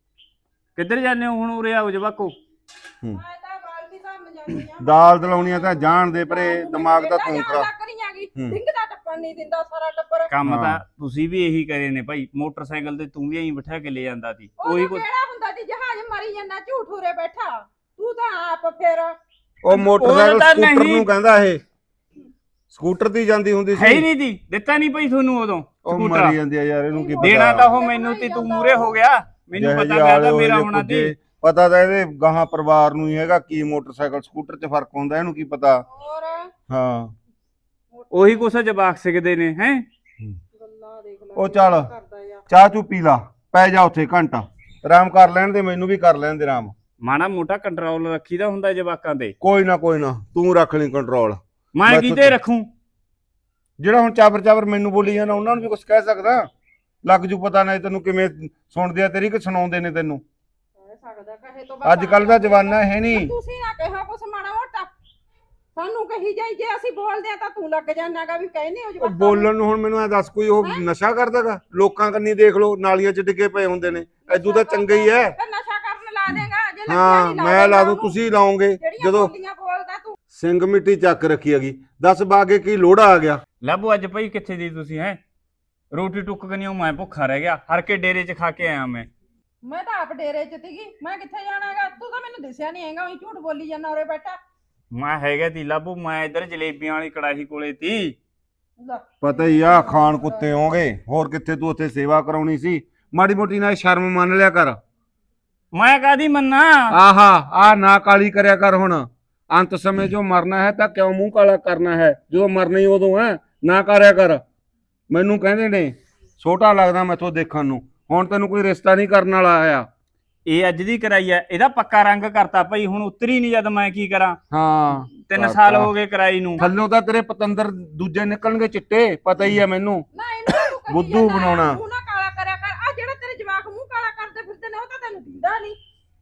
[SPEAKER 6] ਕਿੱਧਰ ਜਾਂਦੇ ਹੋ ਹੁਣ? ਉਰੇ ਆਓ ਜਵਾਕੋ।
[SPEAKER 4] ਮੈਂ ਤਾਂ ਬਾਲਦੀ ਤਾਂ ਮਜਾਨੀ ਆ।
[SPEAKER 5] ਦਾਲ ਦਲਾਉਣੀਆਂ ਤਾਂ ਜਾਣ ਦੇ ਪਰੇ, ਦਿਮਾਗ ਦਾ ਤੂੰ ਖਰਾਬ।
[SPEAKER 4] ਸਿੰਘ ਦਾ ਟੱਪਣ ਨਹੀਂ ਦਿੰਦਾ ਸਾਰਾ ਟੱਬਰ।
[SPEAKER 6] ਕੰਮ
[SPEAKER 5] ਹਾਂ।
[SPEAKER 6] ਤਾਂ ਤੁਸੀਂ ਵੀ ਇਹੀ ਕਰੇ ਨੇ ਭਾਈ। ਮੋਟਰਸਾਈਕਲ ਤੇ ਤੂੰ ਵੀ ਐਂ ਬਿਠਾ ਕੇ ਲੈ ਜਾਂਦਾ ਸੀ। ਉਹੀ
[SPEAKER 4] ਉਹ
[SPEAKER 6] ਕੁਛ।
[SPEAKER 4] ਕਿਹੜਾ ਹੁੰਦਾ ਸੀ ਜਹਾਜ਼ ਮਰੀ ਜਾਂਦਾ ਝੂਠ ਉਰੇ ਬੈਠਾ। ਤੂੰ ਤਾਂ ਆਪ ਫਿਰ
[SPEAKER 5] ਉਹ ਮੋਟਰਸਾਈਕਲ
[SPEAKER 6] ਉਹ ਤਾਂ
[SPEAKER 5] ਸਕੂਟਰ
[SPEAKER 6] ਨਹੀਂ।
[SPEAKER 5] ਨੂੰ ਕਹਿੰਦਾ ਇਹ। ਸਕੂਟਰ ਤੇ ਹੀ ਜਾਂਦੀ ਹੁੰਦੀ
[SPEAKER 6] ਹੈ ਹੀ
[SPEAKER 5] ਸੀ।
[SPEAKER 6] ਨਹੀਂ ਦੀ ਦਿੱਤਾ ਨਹੀਂ ਭਾਈ ਤੁਹਾਨੂੰ ਉਦੋਂ
[SPEAKER 5] ਉਹ
[SPEAKER 6] ਸਕੂਟਰ।
[SPEAKER 5] ਮਰੀ ਜਾਂਦੀ ਆ ਯਾਰ, ਇਹਨੂੰ ਕੀ ਪਤਾ।
[SPEAKER 6] ਦੇਣਾ ਤਾਂ ਉਹ ਮੈਨੂੰ ਤੇ ਤੂੰ ਮੂਰੇ ਹੋ ਗਿਆ। ਮੈਨੂੰ
[SPEAKER 5] ਜਿਹੇ
[SPEAKER 6] ਪਤਾ
[SPEAKER 5] ਜਿਹੇ
[SPEAKER 6] ਪਿਆ ਤਾਂ
[SPEAKER 5] ਆਲੇ
[SPEAKER 6] ਮੇਰਾ
[SPEAKER 5] ਉਹੋ
[SPEAKER 6] ਹੋਣਾ
[SPEAKER 5] ਜਿਹੇ
[SPEAKER 6] ਸੀ।
[SPEAKER 5] ਪੁੱਜੇ। ਪਤਾ ਤਾਂ ਇਹਦੇ ਗਾਹਾਂ ਪਰਿਵਾਰ ਨੂੰ ਹੀ ਹੈਗਾ, ਕੀ ਮੋਟਰਸਾਈਕਲ ਸਕੂਟਰ 'ਚ ਫਰਕ ਹੁੰਦਾ, ਇਹਨੂੰ ਕੀ ਪਤਾ।
[SPEAKER 4] ਹੋਰ
[SPEAKER 5] ਹਾਂ,
[SPEAKER 6] ਉਹੀ ਕੁਛ ਜਵਾਕ ਸਿੱਖਦੇ ਨੇ ਹੈ।
[SPEAKER 4] ਗੱਲਾਂ ਦੇਖ ਲੈ
[SPEAKER 5] ਉਹ ਚੱਲ
[SPEAKER 4] ਕਰਦਾ ਆ।
[SPEAKER 5] ਚਾਹ ਚੂ ਪੀ ਲਾ, ਪੈ ਜਾ ਉੱਥੇ ਘੰਟਾ ਆਰਾਮ ਕਰ ਲੈਣ ਦੇ, ਮੈਨੂੰ ਵੀ ਕਰ ਲੈਣ ਦੇ ਆਰਾਮ।
[SPEAKER 6] ਮਾੜਾ ਮੋਟਾ ਕੰਟਰੋਲ ਰੱਖੀਦਾ ਹੁੰਦਾ ਜਵਾਕਾਂ ਤੇ।
[SPEAKER 5] ਕੋਈ ਨਾ ਤੂੰ ਰੱਖ ਲਈ ਕੰਟਰੋਲ।
[SPEAKER 6] ਮੈਂ
[SPEAKER 5] ਮੈਂ
[SPEAKER 6] ਕਿਤੇ ਰੱਖੂੰ?
[SPEAKER 5] ਜਿਹੜਾ ਹੁਣ ਚਾਬਰ ਚਾਬਰ ਮੈਨੂੰ ਬੋਲੀ ਜਾਂਦਾ, ਉਹਨਾਂ ਨੂੰ ਵੀ ਕੁਝ ਕਹਿ ਸਕਦਾ। ਲੱਗ ਜੂ ਪਤਾ ਨਹੀਂ ਤੈਨੂੰ ਕਿਵੇਂ ਸੁਣਦੇ ਆ ਤੇਰੀ, ਕਿ ਸੁਣਾਉਂਦੇ ਨੇ ਤੈਨੂੰ।
[SPEAKER 4] ਕਹਿ ਸਕਦਾ ਕਹੇ ਤੋਂ ਬਾਅਦ
[SPEAKER 5] ਅੱਜ ਕੱਲ ਦਾ ਜਵਾਨਾ ਹੈ ਨਹੀਂ।
[SPEAKER 4] ਤੁਸੀਂ ਨਾ ਕਿਹਾ ਕੁਛ ਮਾੜਾ ਮੋਟਾ ਸਾਨੂੰ ਕਹੀ ਜਾਈ। ਜੇ ਅਸੀਂ ਬੋਲਦੇ ਆ ਤਾਂ ਤੂੰ ਲੱਗ ਜਾਣਾਗਾ ਵੀ ਕਹਿੰਦੇ ਹੋ
[SPEAKER 5] ਉਹ
[SPEAKER 4] ਜਵਾਕਾਂ ਨੂੰ।
[SPEAKER 5] ਬੋਲਣ ਨੂੰ ਹੁਣ ਮੈਨੂੰ ਐ ਦੱਸ, ਕੋਈ ਉਹ ਨਸ਼ਾ ਕਰਦਾਗਾ? ਲੋਕਾਂ ਕੰਨੀ ਦੇਖ ਲੋ, ਨਾਲੀਆਂ 'ਚ ਡਿੱਗੇ ਪਏ ਹੁੰਦੇ ਨੇ। ਐਦੂ ਤਾਂ ਚੰਗਾ ਹੀ ਐ।
[SPEAKER 4] ਫਿਰ ਨਸ਼ਾ ਕਰਨ ਲਾ ਦੇਗਾ। ਜੇ ਲੱਗਿਆ
[SPEAKER 5] ਹਾਂ,
[SPEAKER 4] ਨਹੀਂ
[SPEAKER 5] ਮੈਂ ਲਾ ਦੂੰ, ਤੁਸੀਂ ਲਾਓਗੇ।
[SPEAKER 4] ਜਿਹੜੀਆਂ
[SPEAKER 5] ਜਦੋਂ
[SPEAKER 4] ਬੋਲੀਆਂ ਬੋਲਦਾ ਤੂੰ।
[SPEAKER 5] ਸਿੰਘ ਮਿੱਟੀ ਚੱਕ ਰੱਖੀ ਹੈਗੀ, 10 ਬਾਗੇ ਕੀ ਲੋੜਾ ਆ ਗਿਆ।
[SPEAKER 6] ਲੱਭੋ ਅੱਜ ਭਾਈ ਕਿੱਥੇ ਦੀ ਤੁਸੀਂ ਹੈ? ਰੋਟੀ ਟੁੱਕ ਕਨੀਓ ਮੈਂ ਭੁੱਖਾ ਰਹਿ ਗਿਆ। ਹਰ ਕੇ ਡੇਰੇ 'ਚ ਖਾ ਕੇ ਆਇਆ ਮੈਂ
[SPEAKER 4] ਮੈਂ ਤਾਂ ਆਪ ਡੇਰੇ 'ਚ ਸੀਗੀ। ਮੈਂ ਕਿੱਥੇ ਜਾਣਾਗਾ? ਤੂੰ ਤਾਂ ਮੈਨੂੰ ਦਿਸਿਆ ਨਹੀਂ ਹੈਗਾ। ਉਹੀ ਝੂਠ ਬੋਲੀ ਜਾਂਦਾ ਉਰੇ ਬੈਠਾ।
[SPEAKER 6] ਮੈਂ ਹੈਗਾ ਤੀ ਲੱਭੂ। ਮੈਂ ਇੱਧਰ ਜਲੇਬੀਆਂ ਵਾਲੀ ਕੜਾਹੀ ਕੋਲੇ ਤੀ।
[SPEAKER 4] ਲੈ,
[SPEAKER 5] ਪਤਾ ਹੀ ਆ, ਖਾਣ ਕੁੱਤੇ ਹੋਗੇ। ਹੋਰ ਕਿੱਥੇ ਤੂੰ ਉੱਥੇ ਸੇਵਾ ਕਰਾਉਣੀ ਸੀ? ਮਾੜੀ ਮੋਟੀ ਨਾਲ ਸ਼ਰਮ ਮੰਨ ਲਿਆ ਕਰ।
[SPEAKER 6] ਮੈਂ ਕਾਦੀ ਮੰਨਾ?
[SPEAKER 5] ਆਹਾ, ਆ ਨਾ ਕਾਲੀ ਕਰਿਆ ਕਰ ਹੁਣ। ਅੰਤ ਸਮੇਂ ਜੋ ਮਰਨਾ ਹੈ ਤਾਂ ਕਿਉਂ ਮੂੰਹ ਕਾਲਾ ਕਰਨਾ ਹੈ? ਜਦੋਂ ਮਰਨਾ ਹੀ ਉਦੋਂ ਹੈ, ਨਾ ਕਰਿਆ ਕਰ। ਮੈਨੂੰ ਕਹਿੰਦੇ ਨੇ ਛੋਟਾ ਲੱਗਦਾ ਮੈਥੋਂ ਦੇਖਣ ਨੂੰ। ਹੁਣ ਤੈਨੂੰ ਕੋਈ ਰਿਸ਼ਤਾ ਨਹੀਂ ਕਰਨ ਵਾਲਾ ਆਇਆ।
[SPEAKER 6] ਇਹ ਅੱਜ ਦੀ ਕਰਾਈ ਐ। ਇਹਦਾ ਪੱਕਾ ਰੰਗ ਕਰਤਾ ਭਾਈ। ਹੁਣ ਉਤਰੀ ਨਹੀਂ ਜਦ ਮੈਂ ਕੀ ਕਰਾਂ?
[SPEAKER 5] ਹਾਂ,
[SPEAKER 6] 3 ਸਾਲ ਹੋ ਗਏ ਕਰਾਈ ਨੂੰ।
[SPEAKER 5] ਥੱਲੋਂ ਤਾਂ ਤੇਰੇ ਪਤੰਦਰ ਦੂਜੇ ਨਿਕਲਣਗੇ ਚਿੱਟੇ, ਪਤਾ ਹੀ ਹੈ ਮੈਨੂੰ।
[SPEAKER 4] ਨਾ ਇਹਨੂੰ ਤਾਂ ਤੂੰ ਕਹੀ
[SPEAKER 5] ਬੁੱਧੂ
[SPEAKER 4] ਜਾਂਦਾ,
[SPEAKER 5] ਬਣਾਉਣਾ।
[SPEAKER 4] ਮੂੰਹ ਨਾ ਕਾਲਾ ਕਰਿਆ ਕਰ। ਆ ਜਿਹੜਾ ਤੇਰੇ ਜਵਾਕ ਮੂੰਹ ਕਾਲਾ ਕਰਦੇ ਫਿਰਦੇ ਨੇ, ਉਹ ਤਾਂ ਤੈਨੂੰ ਦਿੰਦਾ ਨਹੀਂ।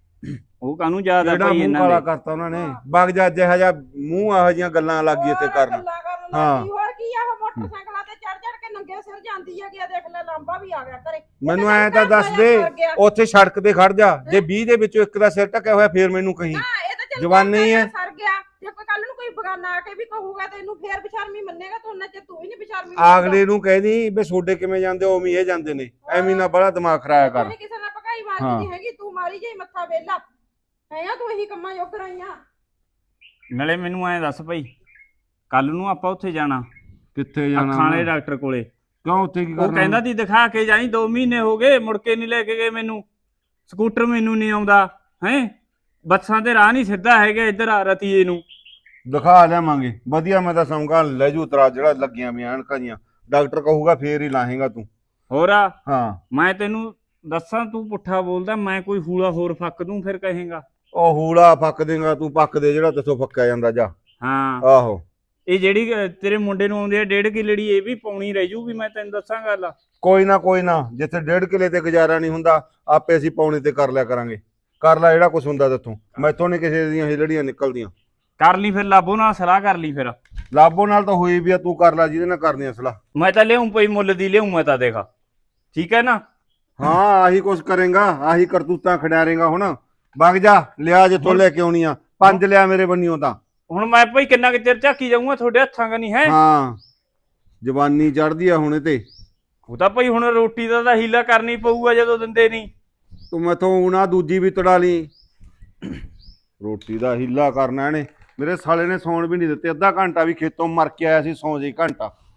[SPEAKER 6] ਉਹ ਕਾਹਨੂੰ ਯਾਦ ਆ
[SPEAKER 5] ਜਿਹੜਾ
[SPEAKER 6] ਭਾਈ
[SPEAKER 5] ਮੂੰਹ
[SPEAKER 6] ਇਹਨਾਂ
[SPEAKER 5] ਕਾਲਾ
[SPEAKER 6] ਦੇ?
[SPEAKER 5] ਕਰਤਾ ਉਹਨਾਂ ਨੇ। ਵਗ ਜਾ, ਜਿਹੋ ਜਿਹਾ ਮੂੰਹ ਇਹੋ ਜਿਹੀਆਂ ਗੱਲਾਂ ਲੱਗੀ ਇੱਥੇ ਕਰਨ।
[SPEAKER 4] ਗੱਲਾਂ ਕਰਨ
[SPEAKER 5] ਹਾਂ।
[SPEAKER 4] ਲੱਗੀ। ਹੋਰ ਕੀ ਆ? ਉਹ ਮੋਟਰਸਾਈਕਲਾਂ ਤੇ ਚੜ ਚੜ ਕੇ ਨੰਗੇ ਸਿਰ ਜਾਂਦੀ ਹੈਗੀ ਆ। ਦੇਖ ਲੈ ਲਾਂਬਾ ਵੀ ਆ ਗਿਆ ਘਰੇ।
[SPEAKER 5] ਮੈਨੂੰ ਐ ਤਾਂ ਦੱਸ ਦੇ, ਉੱਥੇ ਸੜਕ ਤੇ ਖੜ ਜਾ। ਜੇ 20 ਦੇ ਵਿੱਚੋਂ ਇੱਕ ਦਾ ਸਿਰ ਟਕਿਆ ਹੋਇਆ, ਫੇਰ ਮੈਨੂੰ ਕਹੀਂ।
[SPEAKER 4] ਹਾਂ, ਇਹ ਤਾਂ ਚੱਲ
[SPEAKER 5] ਜਵਾਨੀ ਹੀ ਹੈ।
[SPEAKER 4] ਸਰ ਗਿਆ। ਜੇ ਕੋਈ ਕੱਲ ਨੂੰ ਕੋਈ ਬਗਾਨਾ ਆ ਕੇ ਵੀ ਕਹੂਗਾ ਤੇ ਇਹਨੂੰ ਫੇਰ ਬੇਸ਼ਰਮੀ ਮੰਨੇਗਾ। ਤੂੰ ਉਹਨਾਂ ਚ ਤੂੰ ਵੀ ਨਹੀਂ ਬੇਸ਼ਰਮੀ
[SPEAKER 5] ਅਗਲੇ ਨੂੰ ਕਹਿਦੀ ਵੀ ਛੋਡੇ ਕਿਵੇਂ ਜਾਂਦੇ ਹੋ, ਉਵੇਂ ਇਹ ਜਾਂਦੇ ਨੇ। ਐਵੇਂ ਨਾ ਬੜਾ ਦਿਮਾਗ ਖਰਾਇਆ ਕਰ।
[SPEAKER 4] ਕਿਸੇ ਨਾਲ ਭਕਾਈ
[SPEAKER 5] ਹਾਂ।
[SPEAKER 4] ਮਾਰਦੀ ਨਹੀਂ ਹੈਗੀ। ਤੂੰ ਮਾਰੀ ਜਾਈ ਮੱਥਾ ਵੇਲਾ ਹੈਗਾ। ਤੂੰ ਇਹੀ ਕੰਮਾਂ ਯੋਗ ਰਹੀਆਂ।
[SPEAKER 6] ਨਾਲੇ ਮੈਨੂੰ ਐਂ ਦੱਸ ਭਾਈ, ਕੱਲ ਨੂੰ ਆਪਾਂ ਉੱਥੇ ਜਾਣਾ,
[SPEAKER 5] ਕਿੱਥੇ ਜਾਣਾ
[SPEAKER 6] ਅੱਖਾਂ ਵਾਲੇ
[SPEAKER 5] ਮੈਂ?
[SPEAKER 6] ਡਾਕਟਰ ਕੋਲੇ।
[SPEAKER 5] ਕਿਉਂ ਉੱਥੇ ਕੀ
[SPEAKER 6] ਉਹ
[SPEAKER 5] ਕਰਨਾ?
[SPEAKER 6] ਕਹਿੰਦਾ ਤੀ ਦਿਖਾ ਕੇ ਜਾਈ, 2 ਮਹੀਨੇ ਹੋ ਗਏ ਮੁੜ ਕੇ ਨਹੀਂ ਲੈ ਕੇ ਗਏ ਮੈਨੂੰ। ਸਕੂਟਰ ਮੈਨੂੰ ਨਹੀਂ ਆਉਂਦਾ ਹੈ, ਬੱਸਾਂ ਤੇ ਰਾਹ ਨਹੀਂ ਸਿੱਧਾ ਹੈਗਾ ਇੱਧਰ ਆ ਰਤੀਏ ਨੂੰ।
[SPEAKER 5] ਦਿਖਾ ਲਿਆਵਾਂਗੇ ਵਧੀਆ, ਮੈਂ ਤਾਂ ਸਮਝਾ ਲੈ ਜੂ ਤਰਾ ਜਿਹੜਾ ਲੱਗੀਆਂ ਵੀ ਐਨਕਾਂ ਦੀਆਂ, ਡਾਕਟਰ ਕਹੂਗਾ ਫੇਰ ਹੀ ਲਾਹੇਗਾ ਤੂੰ।
[SPEAKER 6] ਹੋਰ ਆ
[SPEAKER 5] ਹਾਂ
[SPEAKER 6] ਮੈਂ ਤੈਨੂੰ ਦੱਸਾਂ, ਤੂੰ ਪੁੱਠਾ ਬੋਲਦਾ, ਮੈਂ ਕੋਈ ਹੂਲਾ ਹੋਰ ਫੱਕ ਦੂੰ ਫਿਰ ਕਹੇਗਾ।
[SPEAKER 5] ਉਹ ਹੂਲਾ ਫੱਕ ਦੇਗਾ ਤੂੰ, ਪੱਕ ਦੇ ਜਿਹੜਾ ਤੇਥੋਂ ਫੱਕਿਆ ਜਾਂਦਾ ਜਾ।
[SPEAKER 6] ਹਾਂ
[SPEAKER 5] ਆਹੋ
[SPEAKER 6] ਇਹ ਜਿਹੜੀ ਤੇਰੇ ਮੁੰਡੇ ਨੂੰ ਆਉਂਦੀ ਆ 1.5 ਕਿੱਲੜੀ, ਇਹ ਵੀ ਪਾਉਣੀ ਰਹਿ ਜੂਗੀ, ਮੈਂ ਤੈਨੂੰ ਦੱਸਾਂ ਗੱਲ।
[SPEAKER 5] ਕੋਈ ਨਾ ਜਿੱਥੇ 1.5 ਕਿੱਲੇ ਤੇ ਗੁਜ਼ਾਰਾ ਨਹੀਂ ਹੁੰਦਾ ਆਪੇ ਅਸੀਂ ਪੌਣੇ ਤੇ ਕਰ ਲਿਆ ਕਰਾਂਗੇ। ਕਰ ਲੈ ਜਿਹੜਾ ਕੁਛ ਹੁੰਦਾ ਤੇਥੋਂ, ਮੈਥੋਂ ਨਹੀਂ ਕਿਸੇ ਦੀਆਂ ਹਿਲੜੀਆਂ ਨਿਕਲਦੀਆਂ।
[SPEAKER 6] ਕਰ ਲਈ ਫਿਰ, ਲਾਬੋ ਨਾਲ ਸਲਾਹ ਕਰ ਲਈ ਫਿਰ।
[SPEAKER 5] ਲਾਭੋ ਨਾਲ ਤਾਂ ਹੋਈ ਵੀ ਆ, ਤੂੰ ਕਰ ਲੈ ਜਿਹਦੇ ਨਾਲ ਕਰਨੀ ਆ ਸਲਾਹ।
[SPEAKER 6] ਮੈਂ ਤਾਂ ਲਿਆਉਂ ਪਈ ਮੁੱਲ ਦੀ ਲਿਆਉਂ ਮੈਂ ਤਾਂ, ਦੇਖਾ ਠੀਕ ਹੈ ਨਾ।
[SPEAKER 5] ਹਾਂ ਆਹੀ ਕੁਛ ਕਰੇਗਾ, ਆਹੀ ਕਰਤੂਤਾਂ ਖਿਡਾਰੇਗਾ। ਹੁਣ ਵਗ ਜਾ, ਲਿਆ ਜਿੱਥੋਂ ਲੈ ਕੇ ਆਉਣੀ ਆ, 5 ਲਿਆ ਮੇਰੇ ਬੰਨਿਓ ਤਾਂ।
[SPEAKER 6] ਹੁਣ ਮੈਂ ਭਾਈ ਕਿੰਨਾ ਕੁ ਚਿਰ ਝਾਕੀ ਜਾਊਂਗਾ ਤੁਹਾਡੇ ਹੱਥਾਂ ਕਨੀ ਹੈ।
[SPEAKER 5] ਹਾਂ ਜਵਾਨੀ ਚੜਦੀ ਆ ਹੁਣ ਇਹ ਤੇ।
[SPEAKER 6] ਉਹ ਤਾਂ ਭਾਈ ਹੁਣ ਰੋਟੀ ਦਾ ਤਾਂ ਹੀਲਾ ਕਰਨੀ ਪਊਗਾ ਜਦੋਂ ਦਿੰਦੇ ਨਹੀਂ।
[SPEAKER 5] ਤੂੰ ਮੈਥੋਂ ਨਾ ਦੂਜੀ ਵੀ ਤੜਾ ਲਈ, ਰੋਟੀ ਦਾ ਹੀਲਾ ਕਰਨਾ ਇਹਨੇ। ਮੇਰੇ ਸਾਲੇ ਨੇ ਸੌਣ ਵੀ ਨਹੀਂ ਦਿੱਤੇ, ਅੱਧਾ ਘੰਟਾ ਵੀ ਖੇਤੋਂ ਮਰ ਕੇ ਆਇਆ ਸੀ, ਸੌਂ ਜੇ ਘੰਟਾ।